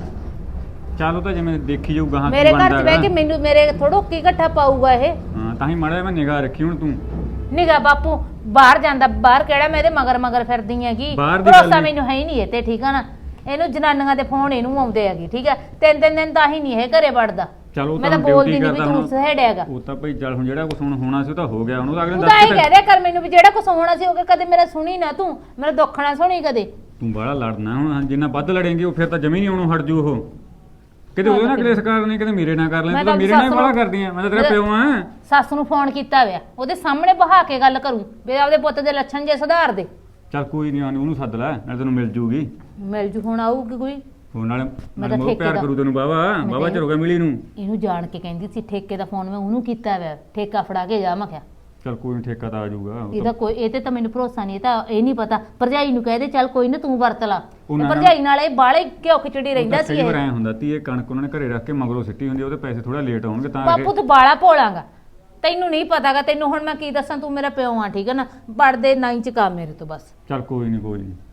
ਚਲੋ ਤਾਂ ਜਿਵੇਂ ਦੇਖੀ ਜਾਊਗਾ ਹਾਂ
ਮੇਰੇ ਘਰ ਚ ਬਹਿ ਕੇ ਮੈਨੂੰ ਮੇਰੇ ਥੋੜੋ ਕੀ ਇਕੱਠਾ ਪਾਊਗਾ ਇਹ।
ਹਾਂ ਤਾਂ ਹੀ ਮਾੜਾ ਮੈਂ ਨਿਗਾਹ ਰੱਖੀ ਹੁਣ ਤੂੰ।
ਨਿਗਾ ਬਾਪੂ ਬਾਹਰ ਜਾਂਦਾ, ਬਾਹਰ ਕਿਹੜਾ ਮੈਂ ਇਹਦੇ ਮਗਰ ਮਗਰ ਫਿਰਦੀ ਹੈਗੀ,
ਬਾਹਰ ਦੀ ਗੱਲ
ਭਰੋਸਾ
ਨੀ।
ਮੈਨੂੰ ਹੈ ਹੀ ਨਹੀਂ ਇਹ ਤੇ, ਠੀਕ ਆ ਨਾ। ਇਹਨੂੰ ਜਨਾਨੀਆਂ ਦੇ ਫੋਨ ਇਹਨੂੰ ਆਉਂਦੇ ਹੈਗੇ, ਠੀਕ ਆ, ਤਿੰਨ ਤਿੰਨ ਦਿਨ ਤਾਂ ਹੀ ਨਹੀਂ ਇਹ ਘਰੇ ਵੜਦਾ।
ਚਲੋ
ਮੈਂ ਤਾਂ ਬੋਲਦੀ ਨਹੀਂ ਵੀ ਤੂੰ ਸਹੇੜਿਆਗਾ।
ਉਹ ਤਾਂ ਭਾਈ ਚੱਲ ਹੁਣ ਜਿਹੜਾ ਕੁਝ ਹੁਣ ਹੋਣਾ ਸੀ ਉਹ ਤਾਂ ਹੋ ਗਿਆ, ਉਹਨੂੰ ਤਾਂ ਅਗਲੇ
ਤੂੰ ਤਾਂ ਇਹ ਕਹਿ ਦਿਆ ਕਰ ਮੈਨੂੰ ਵੀ ਜਿਹੜਾ ਕੁਛ ਹੋਣਾ ਸੀ ਹੋ ਗਿਆ, ਕਦੇ ਮੇਰਾ ਸੁਣੀ ਨਾ ਤੂੰ, ਮੇਰਾ ਦੁੱਖ ਨਾ ਸੁਣੀ ਕਦੇ।
ਤੂੰ ਬਾਹਲਾ ਲੜਨਾ ਹੁਣ, ਜਿੰਨਾ ਵੱਧ ਲੜੇਂਗੇ ਉਹ ਫਿਰ ਤਾਂ ਜਮੀ ਨਹੀਂ ਆਉਣੋਂ ਹਟ ਜੂ ਉਹ। ਕਿਤੇ ਉਹਦੇ ਨਾਲ ਕਲੇਸ਼ ਕਰਨੀ, ਕਿਤੇ ਮੇਰੇ ਨਾਲ ਕਰ ਲੈ, ਤੂੰ ਤਾਂ ਮੇਰੇ ਨਾਲ ਹੀ ਬਾਹਲਾ ਕਰਦੀ ਆ। ਮੈਂ ਤਾਂ ਤੇਰਾ ਪਿਓ ਆ।
ਸੱਸ ਨੂੰ ਫੋਨ ਕੀਤਾ ਹੋਇਆ, ਉਹਦੇ ਸਾਹਮਣੇ ਬਹਾ ਕੇ ਗੱਲ ਕਰੂੰ ਵੀ ਆਪਦੇ ਪੁੱਤ ਦੇ ਲੱਛਣ ਜੇ ਸੁਧਾਰ ਦੇ।
ਚੱਲ ਕੋਈ ਨਹੀਂ, ਉਹਨੂੰ ਸੱਦ ਲੈ, ਨਾਲ ਤੈਨੂੰ ਮਿਲ ਜੂਗੀ।
ਮਿਲ ਜੂ, ਹੁਣ ਆਊਗੀ ਕੋਈ।
ਉਹ ਨਾਲੇ
ਮੈਂ
ਨਾਲੇ
ਤਾਂ
ਉਹ ਪਿਆਰ
ਠੇਕੇ
ਕਰੂ ਤੈਨੂੰ ਬਾਵਾ
ਮੈਂ
ਬਾਵਾ
ਤਾਂ
ਚਿਰ ਹੋ ਗਿਆ ਮਿਲੀ ਨੂੰ।
ਇਹਨੂੰ ਜਾਣ ਕੇ ਕਹਿੰਦੀ ਸੀ ਠੇਕੇ ਦਾ ਫੋਨ ਮੈਂ ਉਹਨੂੰ ਕੀਤਾ ਹੋਇਆ, ਠੇਕਾ ਫੜਾ ਕੇ ਜਾ। ਮੈਂ ਕਿਹਾ
ਚੱਲ ਕੋਈ ਨਹੀਂ, ਠੇਕਾ ਤਾਂ ਆ ਜਾਊਗਾ। ਉਹ
ਇਹਦਾ
ਤਾਂ-
ਕੋਈ ਇਹ ਤੇ ਤਾਂ ਮੈਨੂੰ ਭਰੋਸਾ ਨਹੀਂ, ਇਹ ਤਾਂ ਇਹ ਨਹੀਂ ਪਤਾ। ਭਰਜਾਈ ਨੂੰ ਕਹਦੇ ਚੱਲ ਕੋਈ ਨਾ ਤੂੰ ਵਰਤ ਲਾ,
ਉਹ ਨਾ-
ਭਰਜਾਈ ਨਾਲ ਇਹ ਬਾਲੇ ਘਿਓ ਖਿਚੜੀ ਰਹਿੰਦਾ
ਉਹ ਤਾਂ
ਸੀ
ਕਈ ਵਾਰ
ਇਹ।
ਐਂ ਹੁੰਦਾ ਤੀ ਇਹ ਕਣਕ ਉਹਨਾਂ ਨੇ ਘਰੇ ਰੱਖ ਕੇ ਮਗਰੋਂ ਸਿੱਟੀ ਹੁੰਦੀ, ਉਹਦੇ ਪੈਸੇ ਥੋੜਾ ਲੇਟ ਆਉਣਗੇ ਤਾਂ
ਬਾਪੂ
ਕਰਕੇ।
ਤੂੰ ਬਾਲਾ ਭੋਲਾਂਗਾ, ਤੈਨੂੰ ਨਹੀਂ ਪਤਾਗਾ। ਤੈਨੂੰ ਹੁਣ ਮੈਂ ਕੀ ਦੱਸਾਂ, ਤੂੰ ਮੇਰਾ ਪਿਓ ਆ, ਠੀਕ ਹੈ ਨਾ। ਪੜਦੇ ਨਾ ਇੰਚ ਕੰਮ ਮੇਰੇ ਤੋਂ ਬਸ।
ਚੱਲ ਕੋਈ ਨਹੀਂ ਕੋਈ ਨਹੀਂ।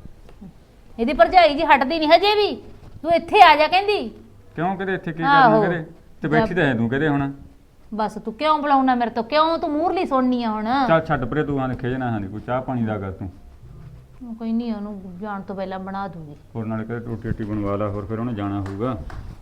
ਇਹਦੀ ਭਰਜਾਈ ਜੀ ਹਟਦੀ ਨਹੀਂ ਹਜੇ ਵੀ, ਤੂੰ ਇੱਥੇ ਆ ਜਾ ਕਹਿੰਦੀ।
ਕਿਉਂ ਕਦੇ ਇੱਥੇ ਕੀ
ਆਹੋ।
ਕਰਨਾ ਕਦੇ ਤੇ ਬੈਠੀ ਤਾਂ ਹੈ ਤੂੰ ਕਦੇ ਹੁਣ।
ਬਸ ਤੂੰ ਕਿਉਂ ਬੁਲਾਉਣਾ ਮੇਰੇ ਤੋਂ, ਕਿਉਂ ਤੂੰ ਮੂਰਲੀ ਸੁਣਨੀ ਆ ਹੁਣ।
ਚੱਲ ਛੱਡ ਪਰੇ ਤੂੰ, ਆਣ ਖੇਜ ਨਾ ਹਾਂ ਕੋਈ ਚਾਹ ਪਾਣੀ ਦਾ ਕਰ ਤੂੰ।
ਕੋਈ ਨਹੀਂ, ਉਹਨੂੰ ਜਾਣ ਤੋਂ ਪਹਿਲਾਂ ਬਣਾ ਦੂੰਗੀ।
ਹੋਰ ਨਾਲੇ ਕਦੇ ਰੋਟੀ ਰੋਟੀ ਬਣਵਾ ਲਾ, ਹੋਰ ਫਿਰ ਉਹਨੇ ਜਾਣਾ ਹੋਊਗਾ।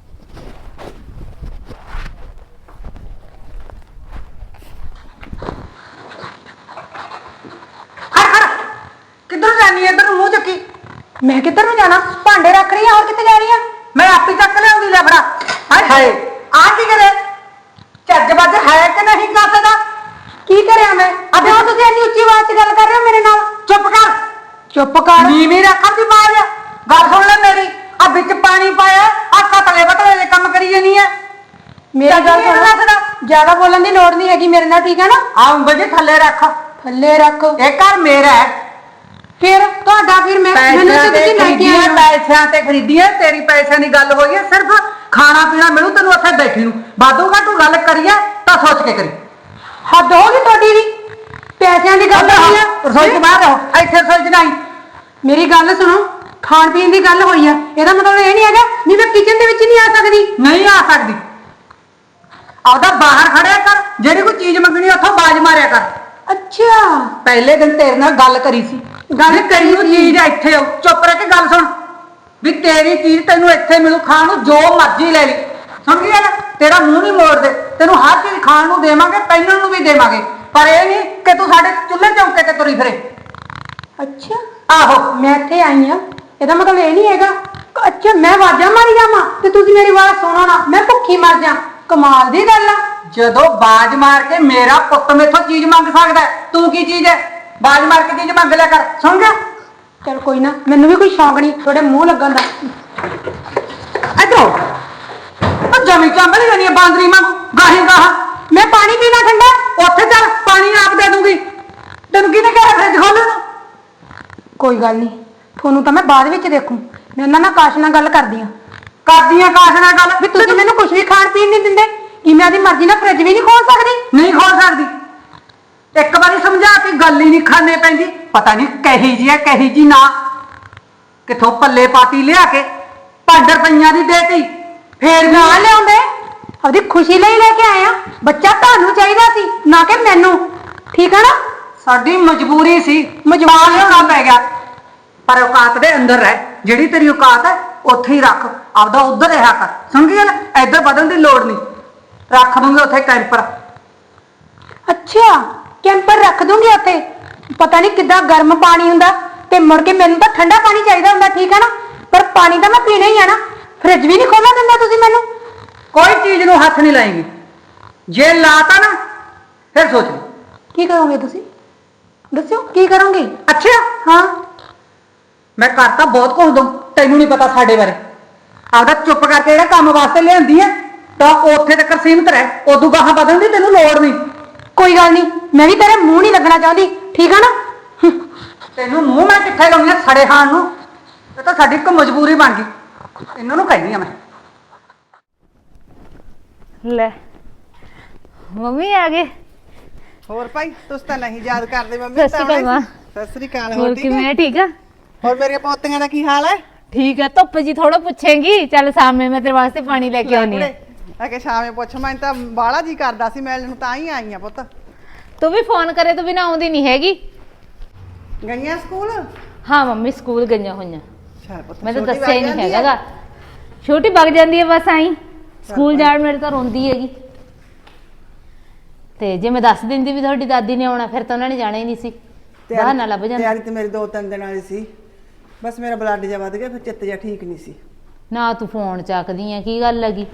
ਕਿੱਧਰ ਜਾਨੀ ਐ? ਇੱਧਰ ਮੂੰਹ ਚੱਕੀ। ਮੈਂ ਕਿੱਧਰ ਨੂੰ ਜਾਣਾ? ਭਾਂਡੇ ਰੱਖ ਰਹੀ ਆ, ਹੋਰ ਕਿੱਥੇ ਜਾਣੀ ਆ? ਮੈਂ ਆਪੇ ਚੱਕ ਲਿਆਉਂਦੀ, ਲੈ ਫੜਾ। ਹਾਏ ਹਾਏ, ਆ ਕੀ ਕਰੇ? ਚੱਜ ਵੱਜ ਹੈ ਕਿ ਨਹੀਂ ਕਾਸੇ ਦਾ? ਕੀ ਕਰਿਆ ਮੈਂ? ਅਬੇ ਉਹ ਤੁਸੀਂ ਇੰਨੀ ਉੱਚੀ ਆਵਾਜ਼ 'ਚ ਗੱਲ ਕਰ ਰਹੇ ਹੋ ਮੇਰੇ ਨਾਲ? ਚੁੱਪ ਕਰ। ਚੁੱਪ ਕਰ। ਨੀਵੀਂ ਰੱਖ ਦੀ ਆਵਾਜ਼। ਗੱਲ ਸੁਣ ਲੈ ਮੇਰੀ। ਆ ਵਿੱਚ ਪਾਣੀ ਪਾਇਆ, ਆ ਕਤਲੇ ਬਤਲੇ ਦੇ ਕੰਮ ਕਰੀ ਜਾਨੀ ਐ। ਮੇਰੀ ਗੱਲ ਸੁਣ, ਜ਼ਿਆਦਾ ਬੋਲਣ ਦੀ ਲੋੜ ਨਹੀਂ ਹੈਗੀ ਮੇਰੇ ਨਾਲ, ਠੀਕ ਹੈ ਨਾ? ਆ ਉਂਗਲ ਜੀ ਥੱਲੇ ਰੱਖ। ਥੱਲੇ ਰੱਖ। ਇਹ ਘਰ ਮੇਰਾ ਹੈ। ਫਿਰ ਤੁਹਾਡਾ ਫਿਰ ਮੈਂ ਮੈਨੂੰ ਤੇ ਤੁਸੀਂ ਲੈ ਕੇ ਆਏ ਹੋ। ਪੈਸਿਆਂ ਤੇ ਖਰੀਦੀਆਂ, ਤੇਰੀ ਪੈਸਿਆਂ ਦੀ ਗੱਲ ਹੋਈ ਹੈ। ਸਿਰਫ ਖਾਣਾ ਪੀਣਾ ਮਿਲੂ ਤੈਨੂੰ ਉੱਥੇ ਬੈਠੀ ਨੂੰ। ਵਾਧੂਗਾ ਤੂੰ ਗੱਲ ਕਰੀਏ ਤਾਂ ਸੋਚ ਕੇ ਕਰੀ। ਹੱਦ ਹੋ ਗਈ ਤੁਹਾਡੀ ਵੀ। ਪੈਸਿਆਂ ਦੀ ਗੱਲ ਹੋਈ ਹੈ, ਰਸੋਈ ਤੋਂ ਬਾਹਰ ਰਹੋ, ਇੱਥੇ ਰਸੋਈ 'ਚ ਨਹੀਂ। ਮੇਰੀ ਗੱਲ ਸੁਣੋ, ਖਾਣ ਪੀਣ ਦੀ ਗੱਲ ਹੋਈ ਆ, ਇਹਦਾ ਮਤਲਬ ਇਹ ਨਹੀਂ ਹੈਗਾ ਵੀ ਮੈਂ ਕਿਚਨ ਦੇ ਵਿੱਚ ਨਹੀਂ ਆ ਸਕਦੀ। ਨਹੀਂ ਆ ਸਕਦੀ। ਆਪਦਾ ਬਾਹਰ ਖੜਿਆ ਕਰ, ਜਿਹੜੀ ਕੋਈ ਚੀਜ਼ ਮੰਗਣੀ ਉੱਥੋਂ ਬਾਜ਼ ਮਾਰਿਆ ਕਰ। ਅੱਛਾ, ਪਹਿਲੇ ਦਿਨ ਤੇਰੇ ਨਾਲ ਗੱਲ ਕਰੀ ਸੀ। ਗੱਲ ਕਰੀ ਉਹ ਚੀਜ਼ ਇੱਥੇ ਆਉ। ਚੁੱਪ ਰਹਿ ਕੇ ਗੱਲ ਸੁਣ ਵੀ ਤੇਰੀ ਚੀਜ਼ ਤੈਨੂੰ ਇੱਥੇ ਮਿਲੂ, ਖਾਣ ਨੂੰ ਜੋ ਮਰਜ਼ੀ ਲੈ ਲਈ। ਸਮਝੀ ਨਾ? ਤੇਰਾ ਮੂੰਹ ਨਹੀਂ ਮੋੜਦੇ, ਤੈਨੂੰ ਹਰ ਚੀਜ਼ ਖਾਣ ਨੂੰ ਦੇਵਾਂਗੇ, ਪਹਿਨਣ ਨੂੰ ਵੀ ਦੇਵਾਂਗੇ, ਪਰ ਇਹ ਨਹੀਂ ਕਿ ਤੂੰ ਸਾਡੇ ਚੁੱਲ੍ਹੇ ਚੌਂਕੇ ਤੇ ਤੁਰੀ ਫਿਰੇ। ਅੱਛਾ, ਆਹੋ ਮੈਂ ਇੱਥੇ ਆਈ ਆ, ਇਹਦਾ ਮਤਲਬ ਇਹ ਨਹੀਂ ਹੈਗਾ। ਅੱਛਾ, ਮੈਂ ਆਵਾਜ਼ਾਂ ਮਾਰੀ ਜਾਵਾਂ ਤੇ ਤੁਸੀਂ ਮੇਰੀ ਆਵਾਜ਼ ਸੁਣੋ ਨਾ, ਮੈਂ ਭੁੱਖੀ ਮਰ ਜਾ। ਕਮਾਲ ਦੀ ਗੱਲ ਆ। ਜਦੋਂ ਬਾਜ਼ ਮਾਰ ਕੇ ਮੇਰਾ ਪੁੱਤ ਮੇਥੋਂ ਚੀਜ਼ ਮੰਗ ਸਕਦਾ, ਤੂੰ ਕੀ ਚੀਜ਼ ਹੈ? ਬਾਜ਼ ਮਾਰ ਕੇ ਚੀਜ਼ ਮੰਗ ਲਿਆ ਕਰ, ਸੁਣ ਗਿਆ? ਚਲ ਕੋਈ ਨਾ, ਮੈਨੂੰ ਵੀ ਕੋਈ ਸ਼ੌਂਕ ਨਹੀਂ ਤੁਹਾਡੇ ਮੂੰਹ ਲੱਗਣ ਦਾ। ਇੱਧਰੋਂ ਉਹ ਜਮੀ ਚੰਬਲ ਜਾਨੀ ਹੈ ਬਾਂਦਰੀ ਵਾਂਗੂ, ਗਾਹੀ ਗਾਹ। ਮੈਂ ਪਾਣੀ ਪੀਣਾ ਠੰਡਾ, ਉੱਥੇ ਚੱਲ ਪਾਣੀ ਆਪ ਦੇ ਦੂੰਗੀ। ਤੈਨੂੰ ਕਿਹਨੇ ਕਿਹਾ ਫਰਿੱਜ ਖੋਲ੍ਹਣ ਨੂੰ? ਕੋਈ ਗੱਲ ਨਹੀਂ, ਤੁਹਾਨੂੰ ਤਾਂ ਮੈਂ ਬਾਅਦ ਵਿੱਚ ਦੇਖੂ। ਮੈਂ ਉਹਨਾਂ ਨਾਲ ਕਾਸ਼ ਨਾਲ ਗੱਲ ਕਰਦੀ ਆ। ਕਰਦੀ ਆ ਕਾਸ਼ ਨਾਲ ਗੱਲ ਵੀ ਤੁਸੀਂ ਮੈਨੂੰ ਕੁਝ ਵੀ ਖਾਣ ਪੀਣ ਨਹੀਂ ਦਿੰਦੇ, ਕਿ ਮੈਂ ਆਪਣੀ ਮਰਜ਼ੀ ਨਾਲ ਫਰਿੱਜ ਵੀ ਨਹੀਂ ਖੋਲ ਸਕਦੀ? ਨਹੀਂ ਖੋਲ ਸਕਦੀ। ਇੱਕ ਵਾਰੀ ਸਮਝਾ ਕੇ ਗੱਲ ਹੀ ਨਹੀਂ ਖਾਣੇ ਪੈਂਦੀ। ਪਤਾ ਨਹੀਂ ਕਹੀ ਜੀ ਹੈ ਕਹੀ ਜੀ ਨਾ, ਕਿੱਥੋਂ ਪੱਲੇ ਪਾਤੀ ਲਿਆ ਕੇ ਪੰਜ ਰੁਪਈਆਂ ਦੀ ਦੇਤੀ। ਫੇਰ ਨਾ ਲਿਆਉਂਦੇ, ਆਪਦੀ ਖੁਸ਼ੀ ਲਈ ਲੈ ਕੇ ਆਏ ਆ। ਬੱਚਾ ਤੁਹਾਨੂੰ ਚਾਹੀਦਾ ਸੀ, ਨਾ ਕਿ ਮੈਨੂੰ, ਠੀਕ ਹੈ ਨਾ? ਸਾਡੀ ਮਜਬੂਰੀ ਸੀ, ਮਜਬੂਰ ਹੋਣਾ ਪੈ ਗਿਆ। ਪਰ ਔਕਾਤ ਦੇ ਅੰਦਰ ਰਹਿ, ਜਿਹੜੀ ਤੇਰੀ ਔਕਾਤ ਹੈ ਉੱਥੇ ਹੀ ਰੱਖ, ਆਪਦਾ ਉੱਧਰ ਰਿਹਾ ਕਰ। ਸਮਝੀ ਨਾ? ਇੱਧਰ ਵਧਣ ਦੀ ਲੋੜ ਨਹੀਂ। ਰੱਖ ਦੂੰਗੇ ਉੱਥੇ ਕੈਂਪਰ। ਅੱਛਾ, ਕੈਂਪਰ ਰੱਖ ਦੂੰਗੀ ਉੱਥੇ। ਪਤਾ ਨਹੀਂ ਕਿੱਦਾਂ ਗਰਮ ਪਾਣੀ ਹੁੰਦਾ ਤੇ ਮੁੜ ਕੇ ਮੈਨੂੰ ਤਾਂ ਠੰਡਾ ਪਾਣੀ ਚਾਹੀਦਾ ਹੁੰਦਾ, ਠੀਕ ਹੈ ਨਾ? ਪਰ ਪਾਣੀ ਤਾਂ ਮੈਂ ਪੀਣਾ ਹੀ ਆ ਨਾ। ਫ੍ਰਿਜ ਵੀ ਨਹੀਂ ਖੋਲ੍ਹਣ ਦਿੰਦਾ ਤੁਸੀਂ ਮੈਨੂੰ।
ਕੋਈ ਚੀਜ਼ ਨੂੰ ਹੱਥ ਨਹੀਂ ਲਾਏਂਗੀ, ਜੇ ਲਾਤਾ ਨਾ ਫਿਰ ਸੋਚ ਲਈ।
ਕੀ ਕਰੋਗੇ ਤੁਸੀਂ? ਦੱਸਿਓ ਕੀ ਕਰੋਗੇ?
ਅੱਛਾ,
ਹਾਂ,
ਮੈਂ ਕਰਤਾ ਬਹੁਤ ਕੁਝ ਦੂੰ, ਤੈਨੂੰ ਨਹੀਂ ਪਤਾ ਸਾਡੇ ਬਾਰੇ। ਆਪਦਾ ਚੁੱਪ ਕਰਕੇ ਜਿਹੜਾ ਕੰਮ ਵਾਸਤੇ ਲਿਆਂਦੀ ਹੈ ਤਾਂ ਉੱਥੇ ਤੱਕ ਸੀਮਤ ਰਹਿ, ਉਦੋਂ ਗਾਹਾਂ ਵਧਣ ਦੀ ਤੈਨੂੰ ਲੋੜ ਨਹੀਂ।
ਕੋਈ ਗੱਲ ਨਹੀਂ, ਮੈਂ ਵੀ ਤੇਰੇ ਮੂੰਹ ਨਹੀਂ ਲੱਗਣਾ ਚਾਹੁੰਦੀ, ਠੀਕ ਆ ਨਾ?
ਤੈਨੂੰ ਮੂੰਹ ਮੈਂ ਕਿੱਥੇ ਲਾਉਣੀ ਆ ਸੜੇ ਖਾਣ ਨੂੰ? ਇਹ ਤਾਂ ਸਾਡੀ ਇੱਕ ਮਜਬੂਰੀ ਬਣ ਗਈ, ਇਹਨਾਂ ਨੂੰ ਕਹਿੰਦੀ ਆ ਮੈਂ।
ਲੈ ਮੰਮੀ ਆ ਗਏ।
ਹੋਰ ਭਾਈ ਤੁਸੀਂ ਤਾਂ ਨਹੀਂ ਯਾਦ ਕਰਦੇ ਮੰਮੀ।
ਸਤਿ ਸ਼੍ਰੀ ਅਕਾਲ ਮਾਂ।
ਸਤਿ ਸ੍ਰੀ ਅਕਾਲ।
ਹੋਰ
ਠੀਕ
ਕਿਵੇਂ
ਹੈ?
ਆ? ਠੀਕ ਆ।
ਹੋਰ ਮੇਰੀਆਂ ਪੋਤੀਆਂ ਦਾ ਕੀ ਹਾਲ ਹੈ?
ਠੀਕ ਆ। ਧੁੱਪ ਜੀ ਥੋੜਾ ਪੁੱਛੇਂਗੀ, ਚੱਲ ਸਾਹਮਣੇ ਮੈਂ ਤੇਰੇ ਵਾਸਤੇ ਪਾਣੀ ਲੈ ਕੇ ਆਉਣੀ ਆ।
ਆ ਕੇ ਸ਼ਾਮੇ ਪੁੱਛ, ਮੈਂ ਤਾਂ ਬਾਲਾ ਜੀ ਕਰਦਾ ਸੀ ਮਿਲਣ ਨੂੰ, ਤਾਂ ਹੀ ਆਈ ਆ ਪੁੱਤ।
ਤੂੰ ਵੀ ਫੋਨ ਕਰੇ ਤੂੰ ਵੀ ਨਾ ਆਉਂਦੀ ਨਹੀਂ ਹੈਗੀ।
ਗਈਆਂ ਸਕੂਲ?
ਹਾਂ ਮੰਮੀ ਸਕੂਲ ਗਈਆਂ ਹੋਈਆਂ।
ਅੱਛਾ ਪੁੱਤ,
ਮੈਂ ਤਾਂ
ਛੋਟੀ
ਦੱਸਿਆ ਹੀ
ਵਗ
ਨਹੀਂ
ਜਾਂਦੀ
ਹੈਗਾ। ਛੋਟੀ ਵਗ ਜਾਂਦੀ ਹੈ ਬਸ ਆਈ। ਸਕੂਲ ਜਾਣ ਮੇਰੇ ਤਾਂ ਰੋਂਦੀ ਹੈਗੀ। ਤੇ ਜੇ ਮੈਂ ਦੱਸ ਦਿੰਦੀ ਵੀ ਤੁਹਾਡੀ ਦਾਦੀ ਨੇ ਆਉਣਾ ਫਿਰ ਤਾਂ ਉਹਨਾਂ ਨੇ ਜਾਣਾ ਹੀ ਨਹੀਂ ਸੀ। ਬਹਾਨਾ ਲੱਭ ਜਾਂਦਾ।
ਤਿਆਰੀ ਤੇ ਮੇਰੀ ਦੋ ਤਿੰਨ ਦਿਨ ਵਾਲੀ ਸੀ, ਬਸ ਮੇਰਾ ਬਲੱਡ ਜਿਹਾ ਵੱਧ ਗਿਆ, ਫਿਰ ਚਿੱਤ ਜਿਹਾ ਠੀਕ ਨਹੀਂ ਸੀ।
ਨਾ ਤੂੰ ਫੋਨ ਚੱਕਦੀ ਆ, ਕੀ ਗੱਲ ਲੱਗੀ?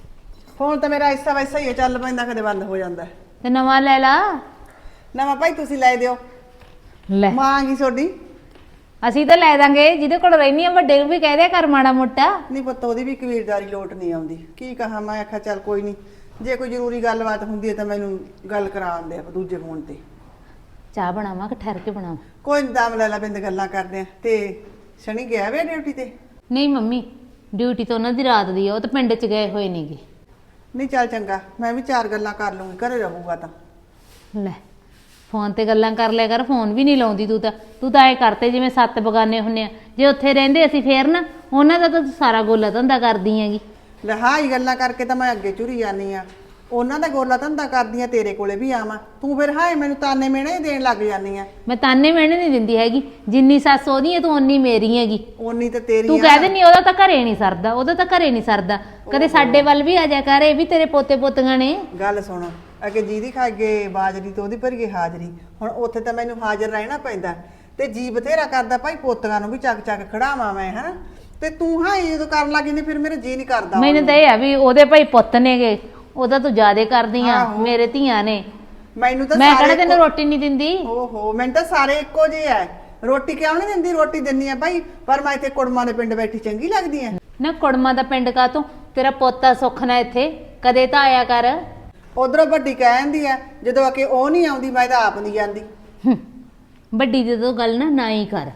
ਫੋਨ ਤਾਂ ਮੇਰਾ ਐਸਾ ਵੈਸਾ ਹੀ ਹੈ, ਚੱਲ ਪੈਂਦਾ ਕਦੇ ਬੰਦ ਹੋ ਜਾਂਦਾ।
ਤੇ ਨਵਾਂ ਲੈ ਲਾ।
ਨਵਾਂ ਭਾਈ ਤੁਸੀਂ ਲੈ ਦਿਓ।
ਲੈ
ਮਾਂ ਕੀ ਤੁਹਾਡੀ?
ਅਸੀਂ ਤਾਂ ਲੈ ਦਾਂਗੇ, ਜਿਹਦੇ ਕੋਲ ਰਹਿਨੀ ਆ ਵੱਡੇ ਨੂੰ ਵੀ ਕਹਿ ਦਿਆ ਕਰ ਮਾੜਾ ਮੋਟਾ।
ਨਹੀਂ ਪੁੱਤ, ਉਹਦੀ ਵੀ ਕਬੀਲਦਾਰੀ ਲੋਟ ਨਹੀਂ ਆਉਂਦੀ। ਕੀ ਕਹਾਂ ਮੈਂ, ਆਖਿਆ ਚੱਲ ਕੋਈ ਨਹੀਂ, ਜੇ ਕੋਈ ਜ਼ਰੂਰੀ ਗੱਲਬਾਤ ਹੁੰਦੀ ਹੈ ਤਾਂ ਮੈਨੂੰ ਗੱਲ ਕਰਾ ਆਉਂਦੇ ਆ ਦੂਜੇ ਫੋਨ ਤੇ।
ਚਾਹ ਬਣਾਵਾਂ ਕਿ ਠਹਿਰ ਕੇ ਬਣਾਵਾਂ?
ਕੋਈ ਨੀ, ਦਮ ਲੈ ਲਾ, ਬਿੰਦ ਗੱਲਾਂ ਕਰਦੇ ਆ। ਤੇ ਸ਼ਨੀ ਗਿਆ ਵੇ ਡਿਊਟੀ ਤੇ?
ਨਹੀਂ ਮੰਮੀ, ਡਿਊਟੀ ਤਾਂ ਉਹਨਾਂ ਦੀ ਰਾਤ ਦੀ ਆ, ਉਹ ਤਾਂ ਪਿੰਡ 'ਚ ਗਏ ਹੋਏ ਨੇਗੇ।
ਨਹੀਂ ਚੱਲ ਚੰਗਾ, ਮੈਂ ਵੀ ਚਾਰ ਗੱਲਾਂ ਕਰ ਲੂੰਗੀ, ਘਰੇ ਰਹੂਗਾ ਤਾਂ।
ਲੈ ਫੋਨ ਤੇ ਗੱਲਾਂ ਕਰ ਲਿਆ ਕਰ, ਫੋਨ ਵੀ ਨਹੀਂ ਲਾਉਂਦੀ ਤੂੰ ਤਾਂ। ਤੂੰ ਤਾਂ ਐ ਕਰਤੇ ਜਿਵੇਂ ਸੱਤ ਬਗਾਨੇ ਹੁੰਨੇ ਆ। ਜੇ ਉੱਥੇ ਰਹਿੰਦੇ ਅਸੀਂ ਫੇਰ ਨਾ ਉਹਨਾਂ ਦਾ ਤਾਂ ਤੂੰ ਸਾਰਾ ਗੋਲਾ ਧੰਦਾ ਕਰਦੀ ਹੈਗੀ।
ਲੈ ਹਾਂ ਹੀ ਗੱਲਾਂ ਕਰਕੇ ਤਾਂ ਮੈਂ ਅੱਗੇ ਝੁਰੀ ਜਾਨੀ ਆ। ਉਹਨਾਂ ਦਾ ਗੋਲਾ ਧੰਦਾ ਕਰਦੀਆਂ, ਤੇਰੇ ਕੋਲੇ ਵੀ ਆਵਾਂ, ਤੂੰ ਫਿਰ ਹਾਏ ਮੈਨੂੰ ਤਾਨੇ ਮਿਹਣੇ ਦੇਣ ਲੱਗ ਜਾਨੀ ਆ।
ਮੈਂ ਤਾਨੇ ਮਿਹਣੇ ਨਹੀਂ ਦਿੰਦੀ ਹੈਗੀ। ਜਿੰਨੀ ਸੱਸ ਉਹਦੀ ਹੈ ਤੂੰ ਓਨੀ ਮੇਰੀ ਹੈਗੀ।
ਓਨੀ ਤਾਂ ਤੇਰੀ
ਤੂੰ
ਆ।
ਕਹਿ ਦਿੰਦੀ ਉਹਦਾ ਤਾਂ ਘਰੇ ਨਹੀਂ ਸਰਦਾ, ਉਹਦਾ ਤਾਂ ਘਰੇ ਨਹੀਂ ਸਰਦਾ। ਕਦੇ ਸਾਡੇ ਵੱਲ ਵੀ ਆ ਜਾ ਕਰ, ਇਹ ਵੀ ਤੇਰੇ ਪੋਤੇ ਪੋਤੀਆਂ ਨੇ।
ਗੱਲ ਸੁਣ, ਅੱਗੇ ਜਿਹਦੀ ਖਾਗੇ ਬਾਜਰੀ ਤੇ ਉਹਦੀ ਭਰੀਏ ਹਾਜ਼ਰੀ। ਹੁਣ ਉੱਥੇ ਤਾਂ ਮੈਨੂੰ ਹਾਜ਼ਰ ਰਹਿਣਾ ਪੈਂਦਾ, ਤੇ ਜੀ ਬਥੇਰਾ ਕਰਦਾ ਭਾਈ ਪੋਤੀਆਂ ਨੂੰ ਵੀ ਚੱਕ ਚੱਕ ਖੜਾਵਾਂ ਮੈਂ, ਹਨਾ। ਤੇ ਤੂੰ ਹਾਂ ਜਦੋਂ ਕਰਨ ਲੱਗੀ ਨੇ ਫਿਰ ਮੇਰਾ ਜੀ ਨਹੀਂ ਕਰਦਾ।
ਮੈਨੂੰ ਤਾਂ ਇਹ ਆ ਵੀ ਉਹਦੇ ਭਾਈ ਪੁੱਤ ਨੇਗੇ, ਉਹਦਾ ਤੂੰ ਜ਼ਿਆਦੇ ਕਰਦੀ ਆ। ਮੇਰੇ ਧੀਆਂ ਨੇ,
ਮੈਨੂੰ ਤਾਂ
ਮੈਂ ਕਿਹੜਾ ਤੈਨੂੰ ਰੋਟੀ ਨਹੀਂ ਦਿੰਦੀ।
ਓਹੋ, ਮੈਨੂੰ ਤਾਂ ਸਾਰੇ ਇੱਕੋ ਜਿਹੇ ਐ। ਰੋਟੀ ਕਿਉਂ ਨਹੀਂ ਦਿੰਦੀ? ਰੋਟੀ ਦਿੰਦੀ ਆ ਭਾਈ, ਪਰ ਮੈਂ ਇੱਥੇ ਕੁੜਮਾਂ ਦੇ ਪਿੰਡ ਬੈਠੀ ਚੰਗੀ ਲੱਗਦੀ ਐ?
ਨਾ ਕੁੜਮਾਂ ਦਾ ਪਿੰਡ ਕਾ ਤੂੰ, ਤੇਰਾ ਪੋਤਾ ਸੁੱਖ ਨਾ ਇੱਥੇ ਕਦੇ ਤਾਂ ਆਇਆ ਕਰ।
ਉਧਰੋਂ ਵੱਡੀ ਕਹਿ ਜਾਂਦੀ ਐ, ਜਦੋਂ ਆ ਕੇ ਉਹ ਨਹੀਂ ਆਉਂਦੀ ਮੈਂ ਤਾਂ ਆਪ ਨਹੀਂ ਜਾਂਦੀ।
ਹੂੰ, ਵੱਡੀ ਦੀ ਤਾਂ ਗੱਲ ਨਾ ਨਾ ਹੀ ਕਰ,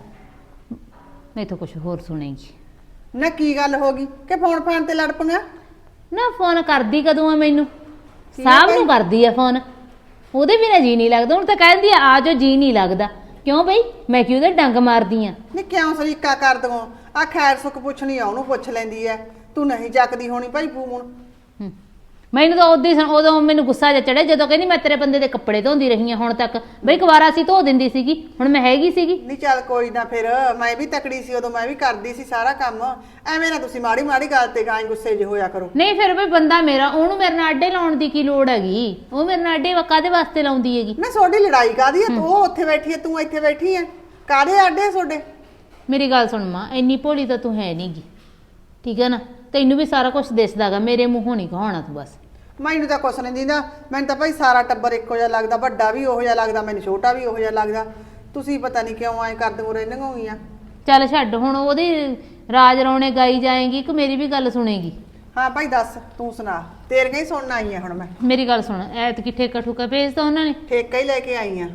ਨਹੀਂ ਤਾਂ ਕੁਝ ਹੋਰ ਸੁਣੇਗੀ।
ਨਾ ਕੀ ਗੱਲ ਹੋ ਗਈ ਕਿ ਫੋਨ ਫਾਨ ਤੇ ਲੜ ਪਈਆਂ?
ਨਾ ਫੋਨ ਕਰਦੀ ਕਦੋਂ ਆ ਮੈਨੂੰ? ਸਾਹਬ ਨੂੰ ਕਰਦੀ ਆ ਫੋਨ, ਉਹਦੇ ਬਿਨਾਂ ਜੀ ਨਹੀਂ ਲੱਗਦਾ। ਹੁਣ ਤਾਂ ਕਹਿੰਦੀ ਆ ਆ ਜਾਓ, ਜੀ ਨਹੀਂ ਲੱਗਦਾ। ਕਿਉਂ ਬਈ, ਮੈਂ ਕਿ ਉਹਦੇ ਡੰਗ ਮਾਰਦੀ ਆ?
ਨਹੀਂ ਕਿਉਂ ਸਰੀਕਾ ਕਰ ਦੋ? ਆ ਖੈਰ ਸੁੱਖ ਪੁੱਛਣੀ ਆ, ਉਹਨੂੰ ਪੁੱਛ ਲੈਂਦੀ ਐ। ਤੂੰ ਨਹੀਂ ਚੱਕਦੀ ਹੋਣੀ ਭਾਈ ਫੋਨ।
ਹੂੰ, ਮੈਨੂੰ ਤਾਂ ਉਦੋਂ ਹੀ ਉਦੋਂ ਮੈਨੂੰ ਗੁੱਸਾ ਜਿਹਾ ਚੜਿਆ ਜਦੋਂ ਕਹਿੰਦੀ ਮੈਂ ਤੇਰੇ ਬੰਦੇ ਦੇ ਕੱਪੜੇ ਧੋਂਦੀ ਰਹੀ ਆ ਹੁਣ ਤੱਕ। ਬਈ ਕੁਵਾਰਾ ਸੀ ਧੋ ਦਿੰਦੀ ਸੀਗੀ, ਹੁਣ ਮੈਂ ਹੈਗੀ ਸੀਗੀ।
ਨਹੀਂ ਚੱਲ ਕੋਈ ਨਾ, ਫਿਰ ਮੈਂ ਵੀ ਤਕੜੀ ਸੀ ਉਦੋਂ, ਮੈਂ ਵੀ ਕਰਦੀ ਸੀ ਸਾਰਾ ਕੰਮ। ਐਵੇਂ ਨਾ ਤੁਸੀਂ ਮਾੜੀ ਮਾੜੀ ਗੱਲ ਤੇ ਗਾਂ ਗੁੱਸੇ ਜਿਹੇ ਹੋਇਆ ਕਰੋ।
ਨਹੀਂ ਫਿਰ ਬਈ ਬੰਦਾ ਮੇਰਾ, ਉਹਨੂੰ ਮੇਰੇ ਨਾਲ ਅੱਡੇ ਲਾਉਣ ਦੀ ਕੀ ਲੋੜ ਹੈਗੀ? ਉਹ ਮੇਰੇ ਨਾਲ ਅੱਡੇ ਕਾਹਦੇ ਵਾਸਤੇ ਲਾਉਂਦੀ ਹੈਗੀ?
ਮੈਂ ਤੁਹਾਡੀ ਲੜਾਈ ਕਾਹਦੀ ਐ? ਤੂੰ ਉੱਥੇ ਬੈਠੀ ਐ, ਤੂੰ ਇੱਥੇ ਬੈਠੀ ਐ, ਕਾਹਦੇ ਆਡੇ ਤੁਹਾਡੇ?
ਮੇਰੀ ਗੱਲ ਸੁਣ ਮਾਂ, ਇੰਨੀ ਭੋਲੀ ਤਾਂ ਤੂੰ ਹੈ ਨਹੀਂਗੀ, ਠੀਕ ਹੈ ਨਾ? ਤੈਨੂੰ ਵੀ ਸਾਰਾ ਕੁਝ ਦਿਸਦਾਗਾ, ਮੇਰੇ ਮੂੰਹੋਂ ਨਹੀਂ ਕਹਾਉਣਾ ਤੂੰ ਬਸ।
ਮੈਨੂੰ ਤਾਂ ਕੁਛ ਨਹੀਂ ਦਿੰਦਾ, ਮੈਨੂੰ ਤਾਂ ਭਾਈ ਸਾਰਾ ਟੱਬਰ ਇੱਕੋ ਜਿਹਾ ਲੱਗਦਾ, ਵੱਡਾ ਵੀ ਉਹੋ ਜਿਹਾ ਲੱਗਦਾ, ਮੈਨੂੰ ਛੋਟਾ ਵੀ ਉਹੋ ਜਿਹਾ ਲੱਗਦਾ। ਤੁਸੀਂ ਪਤਾ ਨਹੀਂ ਕਿਉਂ ਐਂ ਕਰਦੇ ਰਹਿੰਦੀਆਂ ਹੋਈਆਂ।
ਚੱਲ ਛੱਡ ਹੁਣ, ਉਹਦੀ ਰਾਜ ਰੌਣੇ ਗਾਈ ਜਾਏਗੀ ਕਿ ਮੇਰੀ ਵੀ ਗੱਲ ਸੁਣੇਗੀ?
ਹਾਂ ਭਾਈ ਦੱਸ, ਤੂੰ ਸੁਣਾ, ਤੇਰੀਆਂ ਹੀ ਸੁਣਨ ਆਈ ਆ ਹੁਣ ਮੈਂ।
ਮੇਰੀ ਗੱਲ ਸੁਣ, ਐਤਕੀ ਠੇਕਾ ਠੁਕਾ ਭੇਜਦਾ ਉਹਨਾਂ ਨੇ?
ਠੇਕਾ ਹੀ ਲੈ ਕੇ ਆਈ ਆ।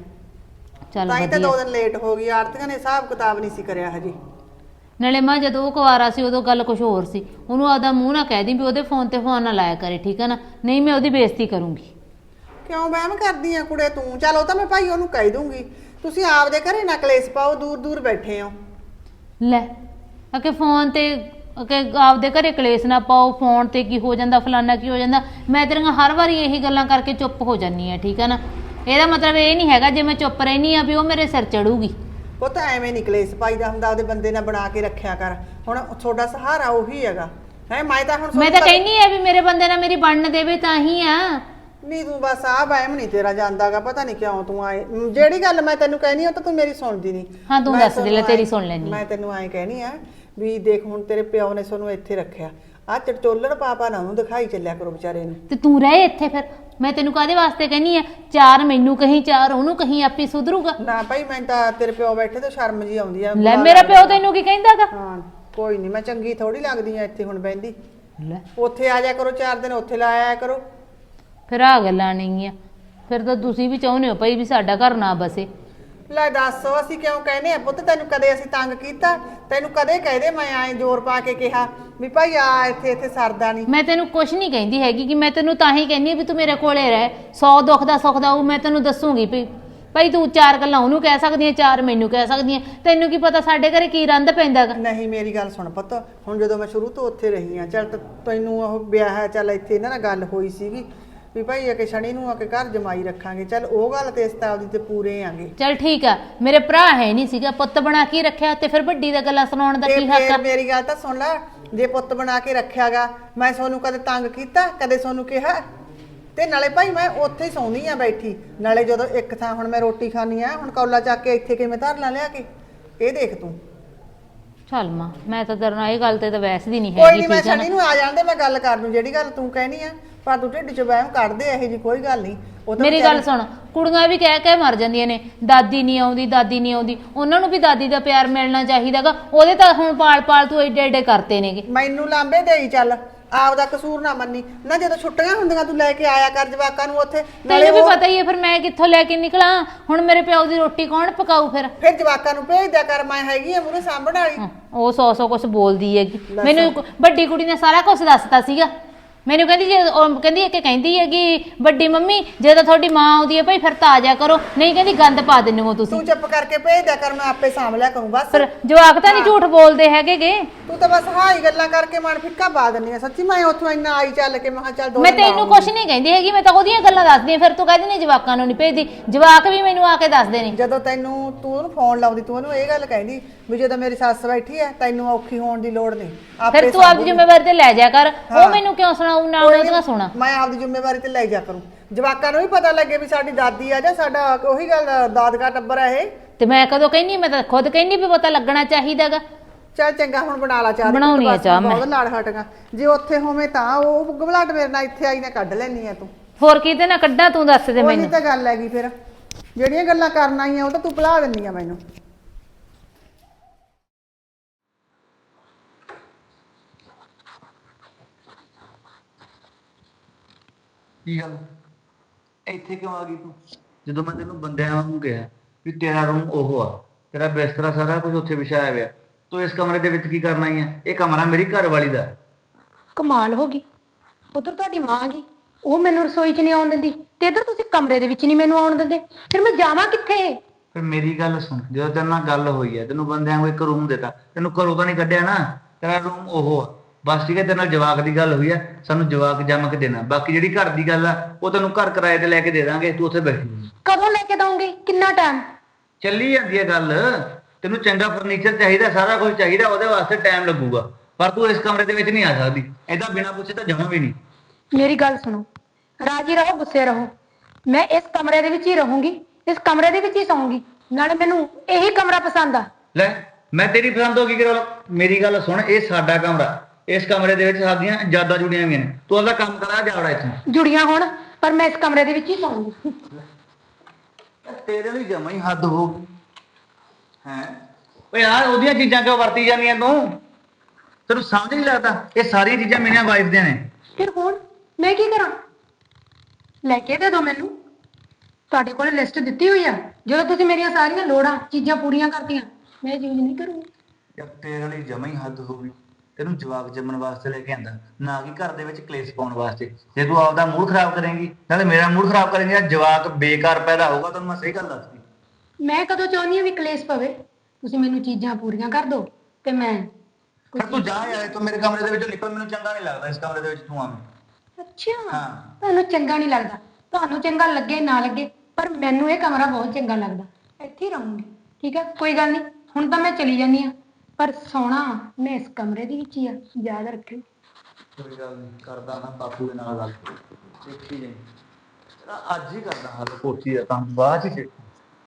ਚੱਲ
ਤਾਂ ਹੀ ਤਾਂ
ਵਧੀਆ।
ਦੋ ਦਿਨ ਲੇਟ ਹੋ ਗਈ, ਆੜਤੀਆਂ ਨੇ ਹਿਸਾਬ ਕਿਤਾਬ ਨਹੀਂ ਸੀ ਕਰਿਆ ਹਜੇ।
ਨਾਲੇ ਮਾਂ ਜਦੋਂ ਉਹ ਕੁਵਾਰਾ ਸੀ ਉਦੋਂ ਗੱਲ ਕੁਝ ਹੋਰ ਸੀ। ਉਹਨੂੰ ਆਦਾ ਮੂੰਹ ਨਾ ਕਹਿ ਦੀ ਵੀ ਉਹਦੇ ਫੋਨ ਤੇ ਫੋਨ ਨਾ ਲਾਇਆ ਕਰੇ, ਠੀਕ ਹੈ ਨਾ? ਨਹੀਂ ਮੈਂ ਉਹਦੀ ਬੇਇੱਜ਼ਤੀ ਕਰੂੰਗੀ।
ਕਿਉਂ ਵਹਿਮ ਕਰਦੀ ਆ ਕੁੜੇ ਤੂੰ? ਚੱਲ ਉਹ ਤਾਂ ਮੈਂ ਭਾਈ ਉਹਨੂੰ ਕਹਿ ਦੂੰਗੀ। ਤੁਸੀਂ ਆਪਦੇ ਘਰੇ ਨਾ ਕਲੇਸ਼ ਪਾਓ, ਦੂਰ ਦੂਰ ਬੈਠੇ ਹੋ।
ਲੈ ਅਕੇ ਫੋਨ ਤੇ ਅਕੇ ਆਪਦੇ ਘਰੇ ਕਲੇਸ਼ ਨਾ ਪਾਓ, ਫੋਨ ਤੇ ਕੀ ਹੋ ਜਾਂਦਾ, ਫਲਾਨਾ ਕੀ ਹੋ ਜਾਂਦਾ। ਮੈਂ ਤੇਰੀਆਂ ਹਰ ਵਾਰੀ ਇਹੀ ਗੱਲਾਂ ਕਰਕੇ ਚੁੱਪ ਹੋ ਜਾਂਦੀ ਆ, ਠੀਕ ਹੈ ਨਾ? ਇਹਦਾ ਮਤਲਬ ਇਹ ਨਹੀਂ ਹੈਗਾ ਜੇ ਮੈਂ ਚੁੱਪ ਰਹਿਨੀ ਆ ਵੀ ਉਹ ਮੇਰੇ ਸਿਰ ਚੜੂਗੀ।
ਉਹ ਤਾਂ ਐਵੇਂ ਨਹੀਂ ਕਲੇਸ਼ ਪਾਈਦਾ ਹੁੰਦਾ, ਉਹਦੇ ਬੰਦੇ ਨਾਲ ਬਣਾ ਕੇ ਰੱਖਿਆ ਕਰ। ਹੁਣ ਤੁਹਾਡਾ ਸਹਾਰਾ ਉਹੀ ਹੈਗਾ ਹੈ। ਮੈਂ ਤਾਂ ਹੁਣ
ਮੈਂ ਤਾਂ ਕਹਿੰਨੀ ਆ ਵੀ ਮੇਰੇ ਬੰਦੇ ਨਾਲ ਮੇਰੀ ਬਣਨ ਦੇਵੇ ਤਾਂ ਹੀ ਆ।
ਨਹੀਂ ਤੂੰ ਬਸ ਆ ਵਹਿਮ ਨਹੀਂ ਤੇਰਾ ਜਾਂਦਾਗਾ, ਪਤਾ ਨਹੀਂ ਕਿਉਂ ਤੂੰ ਆਏ। ਜਿਹੜੀ ਗੱਲ ਮੈਂ ਤੈਨੂੰ ਕਹਿਣੀ ਉਹ ਤਾਂ ਤੂੰ ਮੇਰੀ ਸੁਣਦੀ ਨਹੀਂ।
ਹਾਂ ਤੂੰ ਦੱਸ ਦੇ ਲੈ, ਤੇਰੀ ਸੁਣ ਲੈਣੀ।
ਮੈਂ ਤੈਨੂੰ ਐਂ ਕਹਿਣੀ ਆ ਵੀ ਦੇਖ ਹੁਣ ਤੇਰੇ ਪਿਓ ਨੇ ਸਾਨੂੰ ਇੱਥੇ ਰੱਖਿਆ, ਆ ਚਟੋਲਣ ਪਾਪਾ ਨਾ ਉਹਨੂੰ ਦਿਖਾਈ ਚੱਲਿਆ ਕਰੋ ਵਿਚਾਰੇ ਨੂੰ।
ਤੇ ਤੂੰ ਰਹਿ ਇੱਥੇ ਫਿਰ, ਮੈਂ ਤੈਨੂੰ ਕਾਹਦੇ ਵਾਸਤੇ ਕਹਿੰਨੀ ਆ, ਚਾਰ ਮੈਨੂੰ ਕਹੀਂ ਚਾਰ ਉਹਨੂੰ ਕਹੀਂ, ਆਪੇ ਸੁਧਰੂਗਾ।
ਨਾ ਭਾਈ ਮੈਂ ਤਾਂ ਤੇਰੇ ਪਿਓ ਬੈਠੇ ਤੇ ਸ਼ਰਮ ਜੀ ਆਉਂਦੀ ਆ।
ਲੈ ਮੇਰਾ ਪਿਓ ਤੈਨੂੰ ਕੀ ਕਹਿੰਦਾਗਾ?
ਹਾਂ ਕੋਈ ਨਹੀਂ, ਮੈਂ ਚੰਗੀ ਥੋੜੀ ਲੱਗਦੀ ਆ ਇੱਥੇ ਹੁਣ ਬਹਿੰਦੀ।
ਲੈ
ਉੱਥੇ ਆ ਜਾ ਕਰੋ ਚਾਰ ਦਿਨ, ਉੱਥੇ ਲਾ ਆਇਆ ਕਰੋ।
ਫਿਰ ਆ ਗੱਲਾਂ ਨਹੀਂ ਆ, ਫਿਰ ਤਾਂ ਤੁਸੀਂ ਵੀ ਚਾਹੁੰਦੇ ਹੋ ਭਾਈ ਵੀ ਸਾਡਾ ਘਰ ਨਾ ਬਸੇ।
ਲੈ ਦੱਸ ਅਸੀਂ ਕਿਉਂ ਕਹਿੰਦੇ ਆ ਪੁੱਤ, ਤੈਨੂੰ ਕਦੇ ਅਸੀਂ ਤੰਗ ਕੀਤਾ? ਤੈਨੂੰ ਕਦੇ ਕਹਦੇ ਮੈਂ ਐਂ ਜ਼ੋਰ ਪਾ ਕੇ ਕਿਹਾ ਵੀ ਭਾਈ ਆ ਇੱਥੇ ਇੱਥੇ ਸਰਦਾ ਨਹੀਂ?
ਮੈਂ ਤੈਨੂੰ ਕੁਛ ਨਹੀਂ ਕਹਿੰਦੀ ਹੈਗੀ, ਕਿ ਮੈਂ ਤੈਨੂੰ ਤਾਂ ਹੀ ਕਹਿੰਦੀ ਆ ਵੀ ਤੂੰ ਮੇਰੇ ਕੋਲੇ ਰਹਿ, ਸੌ ਦੁੱਖ ਦਾ ਸੁੱਖ ਦਾ ਉਹ ਮੈਂ ਤੈਨੂੰ ਦੱਸੂਗੀ ਵੀ ਭਾਈ ਤੂੰ ਚਾਰ ਗੱਲਾਂ ਉਹਨੂੰ ਕਹਿ ਸਕਦੀ ਆ, ਚਾਰ ਮੈਨੂੰ ਕਹਿ ਸਕਦੀ ਆ, ਤੈਨੂੰ ਕੀ ਪਤਾ ਸਾਡੇ ਘਰੇ ਕੀ ਰੰਦ ਪੈਂਦਾ ਗਾ।
ਨਹੀਂ ਮੇਰੀ ਗੱਲ ਸੁਣ ਪੁੱਤ, ਹੁਣ ਜਦੋਂ ਮੈਂ ਸ਼ੁਰੂ ਤੋਂ ਉੱਥੇ ਰਹੀ ਆ, ਚੱਲ ਤੈਨੂੰ ਉਹ ਵਿਆਹ ਹੈ, ਚੱਲ ਇੱਥੇ ਇਹਨਾਂ ਨਾਲ ਗੱਲ ਹੋਈ ਸੀਗੀ ਵੀ ਭਾਈ ਆ ਕੇ ਸ਼ਨੀ ਨੂੰ ਆ ਕੇ ਘਰ ਜਮਾਈ ਰੱਖਾਂਗੇ, ਚੱਲ ਉਹ ਗੱਲ ਤੇ ਇਸਤਾਬ ਦੀ ਤੇ ਪੂਰੇ ਆਂਗੇ।
ਚੱਲ ਠੀਕ ਆ, ਮੇਰੇ ਭਰਾ ਹੈ ਨਹੀਂ ਸੀਗਾ, ਪੁੱਤ ਬਣਾ ਕੇ ਰੱਖਿਆ, ਤੇ ਫਿਰ ਵੱਡੀ ਦਾ ਗੱਲਾਂ ਸੁਣਾਉਣ ਦਾ ਕੀ ਹੱਕ ਆ?
ਮੇਰੀ ਗੱਲ ਤਾਂ ਸੁਣ ਲੈ, ਜੇ ਪੁੱਤ ਬਣਾ ਕੇ ਰੱਖਿਆਗਾ, ਮੈਂ ਸੋਨੂੰ ਕਦੇ ਤੰਗ ਕੀਤਾ, ਕਦੇ ਸੋਨੂੰ ਕਿਹਾ? ਤੇ ਨਾਲੇ ਭਾਈ ਮੈਂ ਉੱਥੇ ਹੀ ਸੌਂਦੀ ਆ ਬੈਠੀ, ਨਾਲੇ ਜਦੋਂ ਇੱਕ ਥਾਂ ਹੁਣ ਮੈਂ ਰੋਟੀ ਖਾਣੀ ਆ, ਹੁਣ ਕੌਲਾ ਚੱਕ ਕੇ ਇੱਥੇ ਕਿਵੇਂ ਧਰ ਲਾ ਲਿਆ ਕੇ, ਇਹ ਦੇਖ ਤੂੰ।
ਚੱਲ ਮਾਂ, ਮੈਂ ਤਾਂ ਤੇਰੇ ਨਾਲ ਇਹ ਗੱਲ ਤੇ ਤਾਂ ਵੈਸਦੀ ਨਹੀਂ
ਕੋਈ
ਹੈਗੀ,
ਨਹੀਂ, ਮੈਂ
ਠੀਕ ਆ
ਸ਼ਨੀ
ਨਾ?
ਨੂੰ ਆ ਜਾਂਦੇ, ਮੈਂ ਗੱਲ ਕਰ ਲੂੰ ਜਿਹੜੀ ਗੱਲ ਤੂੰ ਕਹਿਣੀ ਆ, ਪਰ ਤੂੰ ਢਿੱਡ ਚ ਵਹਿਮ ਕੱਢ ਦੇ, ਇਹੋ ਜੀ ਕੋਈ ਗੱਲ ਨਹੀਂ। ਉਹ ਤਾਂ
ਮੇਰੀ ਗੱਲ ਸੁਣ, ਕੁੜੀਆਂ ਵੀ ਕਹਿ ਕਹਿ ਮਰ ਜਾਂਦੀਆਂ ਨੇ, ਦਾਦੀ ਨਹੀਂ ਆਉਂਦੀ, ਦਾਦੀ ਨਹੀਂ ਆਉਂਦੀ, ਉਹਨਾਂ ਨੂੰ ਵੀ ਦਾਦੀ ਦਾ ਪਿਆਰ ਮਿਲਣਾ ਚਾਹੀਦਾਗਾ। ਉਹਦੇ ਤਾਂ ਹੁਣ ਪਾਲ ਪਾਲ ਤੂੰ ਏਡੇ ਏਡੇ ਕਰਤੇ ਨੇਗੇ।
ਮੈਨੂੰ ਲਾਂਬੇ ਦੇਈ ਚੱਲ, ਆਪਦਾ ਕਸੂਰ ਨਾ ਮੰਨੀ ਨਾ। ਜਦੋਂ ਛੁੱਟੀਆਂ ਹੁੰਦੀਆਂ ਤੂੰ ਲੈ ਕੇ ਆਇਆ ਕਰ ਜਵਾਕਾਂ ਨੂੰ ਉੱਥੇ,
ਤੈਨੂੰ ਵੀ ਪਤਾ ਹੀ ਹੈ ਫਿਰ ਮੈਂ ਕਿੱਥੋਂ ਲੈ ਕੇ ਨਿਕਲਾਂ, ਹੁਣ ਮੇਰੇ ਪਿਓ ਦੀ ਰੋਟੀ ਕੌਣ ਪਕਾਊ? ਫਿਰ
ਫਿਰ ਜਵਾਕਾਂ ਨੂੰ ਭੇਜ ਦਿਆ ਕਰ, ਮੈਂ ਹੈਗੀ ਆ ਮੂਹਰੇ ਸਾਂਭਣ ਵਾਲੀ।
ਉਹ ਸੌ ਸੌ ਕੁਛ ਬੋਲਦੀ ਹੈਗੀ, ਮੈਨੂੰ ਵੱਡੀ ਕੁੜੀ ਨੇ ਸਾਰਾ ਕੁਝ ਦੱਸਤਾ ਸੀਗਾ। ਮੈਨੂੰ ਕਹਿੰਦੀ ਜੇ ਉਹ ਕਹਿੰਦੀ ਹੈ ਕਿ ਕਹਿੰਦੀ ਹੈਗੀ ਵੱਡੀ ਮੰਮੀ ਜਦੋਂ ਤੁਹਾਡੀ ਮਾਂ ਆਉਂਦੀ ਹੈ ਭਾਈ ਫਿਰ ਤਾਂ ਆ ਜਾ ਕਰੋ, ਨਹੀਂ ਕਹਿੰਦੀ ਗੰਦ ਪਾ ਦਿੰਦੇ ਹੋ ਤੁਸੀਂ।
ਤੂੰ ਚੁੱਪ ਕਰਕੇ ਭੇਜ ਦਿਆ ਕਰ, ਮੈਂ ਆਪੇ ਸਾਂਭ ਲਿਆ ਕਰੂੰ ਬਸ।
ਫਿਰ ਜਵਾਕ ਤਾਂ ਨਹੀਂ ਝੂਠ ਬੋਲਦੇ ਹੈਗੇਗੇ।
ਤੂੰ ਤਾਂ ਬਸ ਹਾਈ ਗੱਲਾਂ ਕਰਕੇ ਮਨ ਫਿੱਕਾ ਪਾ ਦਿੰਦੀ ਆ। ਸੱਚੀ ਮੈਂ ਉੱਥੋਂ ਇੰਨਾ ਆਈ ਚੱਲ ਕੇ ਮੈਂ ਕਿਹਾ ਚੱਲ ਦੋ
ਮੈਂ ਤੈਨੂੰ ਕੁਛ ਨਹੀਂ ਕਹਿੰਦੀ ਹੈਗੀ, ਮੈਂ ਤਾਂ ਉਹਦੀਆਂ ਗੱਲਾਂ ਦੱਸਦੀ ਆ। ਫਿਰ ਤੂੰ ਕਹਿੰਦੀ ਨਹੀਂ ਜਵਾਕਾਂ ਨੂੰ ਨਹੀਂ ਭੇਜਦੀ, ਜਵਾਕ ਵੀ ਮੈਨੂੰ ਆ ਕੇ ਦੱਸਦੇ ਨੇ।
ਜਦੋਂ ਤੈਨੂੰ ਤੂੰ ਉਹਨੂੰ ਫੋਨ ਲਾਉਂਦੀ, ਤੂੰ ਉਹਨੂੰ ਇਹ ਗੱਲ ਕਹਿੰਦੀ ਵੀ ਜਦੋਂ ਮੇਰੀ ਸੱਸ ਬੈਠੀ ਹੈ ਤੈਨੂੰ ਔਖੀ ਹੋਣ ਦੀ ਲੋੜ ਨਹੀਂ,
ਫਿਰ ਤੂੰ ਆਪਦੀ ਜ਼ਿੰਮੇਵਾਰੀ ਤੇ ਲੈ ਜਾ ਕਰ। ਉਹ ਮੈਨੂੰ ਕਿਉਂ ਸੁਣਾਉ ਨਾ ਉਹਦਾ ਸੁਣਾ।
ਮੈਂ ਆਪਦੀ ਜ਼ਿੰਮੇਵਾਰੀ ਤੇ ਲੈ ਜਾ ਕਰੂੰ, ਜਵਾਕਾਂ ਨੂੰ ਵੀ ਪਤਾ ਲੱਗੇ ਵੀ ਸਾਡੀ ਦਾਦੀ ਆ ਜਾਂ ਸਾਡਾ ਉਹੀ ਗੱਲ ਦਾਦਕਾ ਟੱਬਰ ਹੈ ਇਹ।
ਤੇ ਮੈਂ ਕਦੋਂ ਕਹਿੰਦੀ, ਮੈਂ ਤਾਂ ਖੁਦ ਕਹਿੰਦੀ ਵੀ ਪਤਾ ਲੱਗਣਾ ਚਾਹੀਦਾਗਾ।
ਚੱਲ ਚੰਗਾ, ਹੁਣ ਬਣਾ ਲਾ ਚਾਹ।
ਬਣਾਉਣੀ ਆ ਚਾਹ ਮੈਂ।
ਬਹੁਤ ਲਾੜ ਹਟਗਾ, ਜੇ ਉੱਥੇ ਹੋਵੇਂ ਤਾਂ ਉਹ ਗਵਲਾਟ ਮੇਰੇ ਨਾਲ ਇੱਥੇ ਆਈ ਨਾ ਕੱਢ ਲੈਣੀ ਆ ਤੂੰ।
ਹੋਰ ਕਿਤੇ ਨਾ ਕੱਢਾਂ, ਤੂੰ ਦੱਸ ਦੇ ਮੈਨੂੰ।
ਉਹੀ ਤਾਂ ਗੱਲ ਹੈਗੀ, ਫਿਰ ਜਿਹੜੀਆਂ ਗੱਲਾਂ ਕਰਨ ਆਈਆਂ ਉਹ ਤਾਂ ਤੂੰ ਭੁਲਾ ਦਿੰਦੀ ਆ ਮੈਨੂੰ।
ਕੀ ਗੱਲ ਇੱਥੇ ਕਿਉਂ ਆ ਗਈ ਤੂੰ? ਜਦੋਂ ਮੈਂ ਤੈਨੂੰ ਬੰਦਿਆਂ ਵਾਂਗੂ ਕਿਹਾ ਵੀ ਤੇਰਾ ਰੂਮ ਉਹ ਆ, ਤੇਰਾ ਬਿਸਤਰਾ ਸਾਰਾ ਕੁਝ ਉੱਥੇ ਵਿਛਾਇਆ ਹੋਇਆ, ਤੂੰ ਇਸ ਕਮਰੇ ਦੇ ਵਿੱਚ ਕੀ ਕਰਨ ਆਈ ਆ? ਇਹ ਕਮਰਾ ਮੇਰੀ ਘਰ ਵਾਲੀ ਦਾ।
ਕਮਾਲ ਹੋ ਗਈ, ਉਧਰ ਤੁਹਾਡੀ ਮਾਂ ਗਈ, ਉਹ ਮੈਨੂੰ ਰਸੋਈ 'ਚ ਨਹੀਂ ਆਉਣ ਦਿੰਦੀ, ਤੇ ਇੱਧਰ ਤੁਸੀਂ ਕਮਰੇ ਦੇ ਵਿੱਚ ਨਹੀਂ ਮੈਨੂੰ ਆਉਣ ਦਿੰਦੇ, ਫਿਰ ਮੈਂ ਜਾਵਾਂ ਕਿੱਥੇ?
ਫਿਰ ਮੇਰੀ ਗੱਲ ਸੁਣ, ਜਦੋਂ ਤੇਰੇ ਨਾਲ ਗੱਲ ਹੋਈ ਹੈ, ਤੈਨੂੰ ਬੰਦਿਆਂ ਵਾਂਗੂ ਇੱਕ ਰੂਮ ਦਿੱਤਾ, ਤੈਨੂੰ ਘਰੋਂ ਤਾਂ ਨਹੀਂ ਕੱਢਿਆ ਨਾ, ਤੇਰਾ ਰੂਮ ਉਹ ਆ ਬਸ। ਠੀਕ ਹੈ, ਤੇਰੇ ਨਾਲ ਜਵਾਕ ਦੀ ਗੱਲ ਹੋਈ ਹੈ, ਸਾਨੂੰ ਜਵਾਕ ਜੰਮ ਕੇ ਦੇਣਾ। ਬਾਕੀ ਜਿਹੜੀ ਘਰ ਦੀ ਗੱਲ ਆ ਉਹ ਤੈਨੂੰ ਘਰ ਕਿਰਾਏ ਤੇ ਲੈ ਕੇ ਦੇ ਦਾਂਗੇ, ਤੂੰ ਉੱਥੇ ਬੈਠੀ।
ਕਦੋਂ ਲੈ ਕੇ ਦਊਂਗੀ? ਕਿੰਨਾ ਟਾਈਮ?
ਚੱਲੀ ਜਾਂਦੀ ਹੈ ਗੱਲ। ਤੈਨੂੰ ਚੰਗਾ ਫਰਨੀਚਰ ਚਾਹੀਦਾ, ਸਾਰਾ ਕੁਝ ਚਾਹੀਦਾ, ਉਹਦੇ ਵਾਸਤੇ ਟਾਈਮ ਲੱਗੂਗਾ, ਪਰ ਤੂੰ ਇਸ ਕਮਰੇ ਦੇ ਵਿੱਚ ਨਹੀਂ ਆ ਸਕਦੀ। ਏਦਾਂ ਬਿਨਾਂ ਪੁੱਛੇ ਤਾਂ ਜਮਾਂ ਵੀ ਨਹੀਂ।
ਮੇਰੀ ਗੱਲ ਸੁਣੋ, ਰਾਜੀ ਰਹੋ ਗੁੱਸੇ ਰਹੋ, ਮੈਂ ਇਸ ਕਮਰੇ ਦੇ ਵਿੱਚ ਹੀ ਰਹੂੰਗੀ, ਇਸ ਕਮਰੇ ਦੇ ਵਿੱਚ ਹੀ ਸੌਂਗੀ, ਨਾਲੇ ਮੈਨੂੰ ਇਹੀ ਕਮਰਾ ਪਸੰਦ ਆ।
ਲੈ ਮੈਂ ਤੇਰੀ ਪਸੰਦ ਹੋ ਗਈ ਕਰਾ? ਮੇਰੀ ਗੱਲ ਸੁਣ, ਇਹ ਸਾਡਾ ਕਮਰਾ, ਇਸ ਕਮਰੇ ਦੇ ਵਿੱਚ ਸਾਡੀਆਂ ਯਾਦਾਂ ਜੁੜੀਆਂ ਹੋਈਆਂ ਨੇ, ਤੂੰ ਉਹਦਾ ਕੰਮ ਕਰਾ ਜਾਵੜਾ ਇੱਥੋਂ।
ਜੁੜੀਆਂ ਹੋਣ, ਪਰ ਮੈਂ ਇਸ ਕਮਰੇ ਦੇ ਵਿੱਚ ਹੀ ਸੌਂਗੀ।
ਤੇਰੇ ਲਈ ਜਮਾਂ ਹੀ ਹੱਦ ਹੋ ਗਈ ਹੈ। ਓਏ ਯਾਰ ਉਹਦੀਆਂ ਚੀਜ਼ਾਂ ਕਿਉਂ ਵਰਤੀ ਜਾਂਦੀਆਂ ਤੂੰ? ਤੈਨੂੰ ਸਮਝ ਨਹੀਂ ਲੱਗਦਾ ਇਹ ਸਾਰੀਆਂ ਚੀਜ਼ਾਂ ਮੇਰੀਆਂ ਵਾਈਫ ਦੀਆਂ ਨੇ।
ਫਿਰ ਹੁਣ ਮੈਂ ਕੀ ਕਰਾਂ? ਲੈ ਕੇ ਦੇ ਦਿਓ ਮੈਨੂੰ, ਤੁਹਾਡੇ ਕੋਲ ਲਿਸਟ ਦਿੱਤੀ ਹੋਈ ਆ, ਜਦੋਂ ਤੁਸੀਂ ਮੇਰੀਆਂ ਸਾਰੀਆਂ ਲੋੜਾਂ ਚੀਜ਼ਾਂ ਪੂਰੀਆਂ ਕਰਤੀਆਂ ਮੈਂ ਯੂਜ਼ ਨਹੀਂ ਕਰੂੰਗੀ।
ਯਾਰ ਤੇਰੇ ਲਈ ਜਮਾਂ ਹੀ ਹੱਦ ਹੋ ਗਈ। ਤੈਨੂੰ ਜਵਾਕ ਜੰਮਣ ਵਾਸਤੇ ਲੈ ਕੇ ਆਂਦਾ, ਨਾ ਕਿ ਘਰ ਦੇ ਵਿੱਚ ਕਲੇਸ਼ ਪਾਉਣ ਵਾਸਤੇ। ਜੇ ਤੂੰ ਆਪਦਾ ਮੂਡ ਖਰਾਬ ਕਰੇਂਗੀ ਨਾਲੇ ਮੇਰਾ ਮੂਡ ਖਰਾਬ ਕਰੇਂਗੀ, ਜਵਾਕ ਬੇਕਾਰ ਪੈਦਾ ਹੋਊਗਾ। ਤੈਨੂੰ ਮੈਂ ਸਹੀ ਗੱਲ ਦੱਸਦੀ।
ਮੈਂ ਕਦੋਂ ਚਾਹੁੰਦੀ ਹਾਂ ਵੀ ਕਲੇਸ਼ ਪਵੇ? ਤੁਸੀਂ ਮੈਨੂੰ ਚੀਜ਼ਾਂ ਪੂਰੀਆਂ ਕਰ ਦਿਓ ਤੇ ਮੈਂ
ਫਿਰ ਤੂੰ ਜਾ ਯਾਰ, ਤੂੰ ਮੇਰੇ ਕਮਰੇ ਦੇ ਵਿੱਚੋਂ ਨਿਕਲ, ਮੈਨੂੰ ਚੰਗਾ ਨਹੀਂ ਲੱਗਦਾ ਇਸ ਕਮਰੇ ਦੇ ਵਿੱਚ ਤੂੰ ਆਵੇਂ।
ਅੱਛਾ,
ਹਾਂ,
ਤੁਹਾਨੂੰ ਚੰਗਾ ਨਹੀਂ ਲੱਗਦਾ? ਤੁਹਾਨੂੰ ਚੰਗਾ ਲੱਗੇ ਨਾ ਲੱਗੇ, ਪਰ ਮੈਨੂੰ ਇਹ ਕਮਰਾ ਬਹੁਤ ਚੰਗਾ ਲੱਗਦਾ, ਇੱਥੇ ਹੀ ਰਹੂੰਗੀ। ਠੀਕ ਹੈ, ਕੋਈ ਗੱਲ ਨਹੀਂ, ਹੁਣ ਤਾਂ ਮੈਂ ਚਲੀ ਜਾਂਦੀ ਹਾਂ, ਪਰ ਸੋਣਾ ਮੈਂ ਇਸ ਕਮਰੇ ਦੇ ਵਿੱਚ ਹੀ ਆ, ਯਾਦ ਰੱਖਿਓ।
ਕੋਈ ਗੱਲ ਨਹੀਂ, ਕਰਦਾ ਨਾ ਬਾਪੂ ਦੇ ਨਾਲ ਗੱਲ, ਦੇਖੀ ਜਾਈ। ਅੱਜ ਹੀ ਕਰਦਾ ਹੱਲ, ਕੋਠੀ ਦਾ ਤਾਂ ਬਾਅਦ ਚ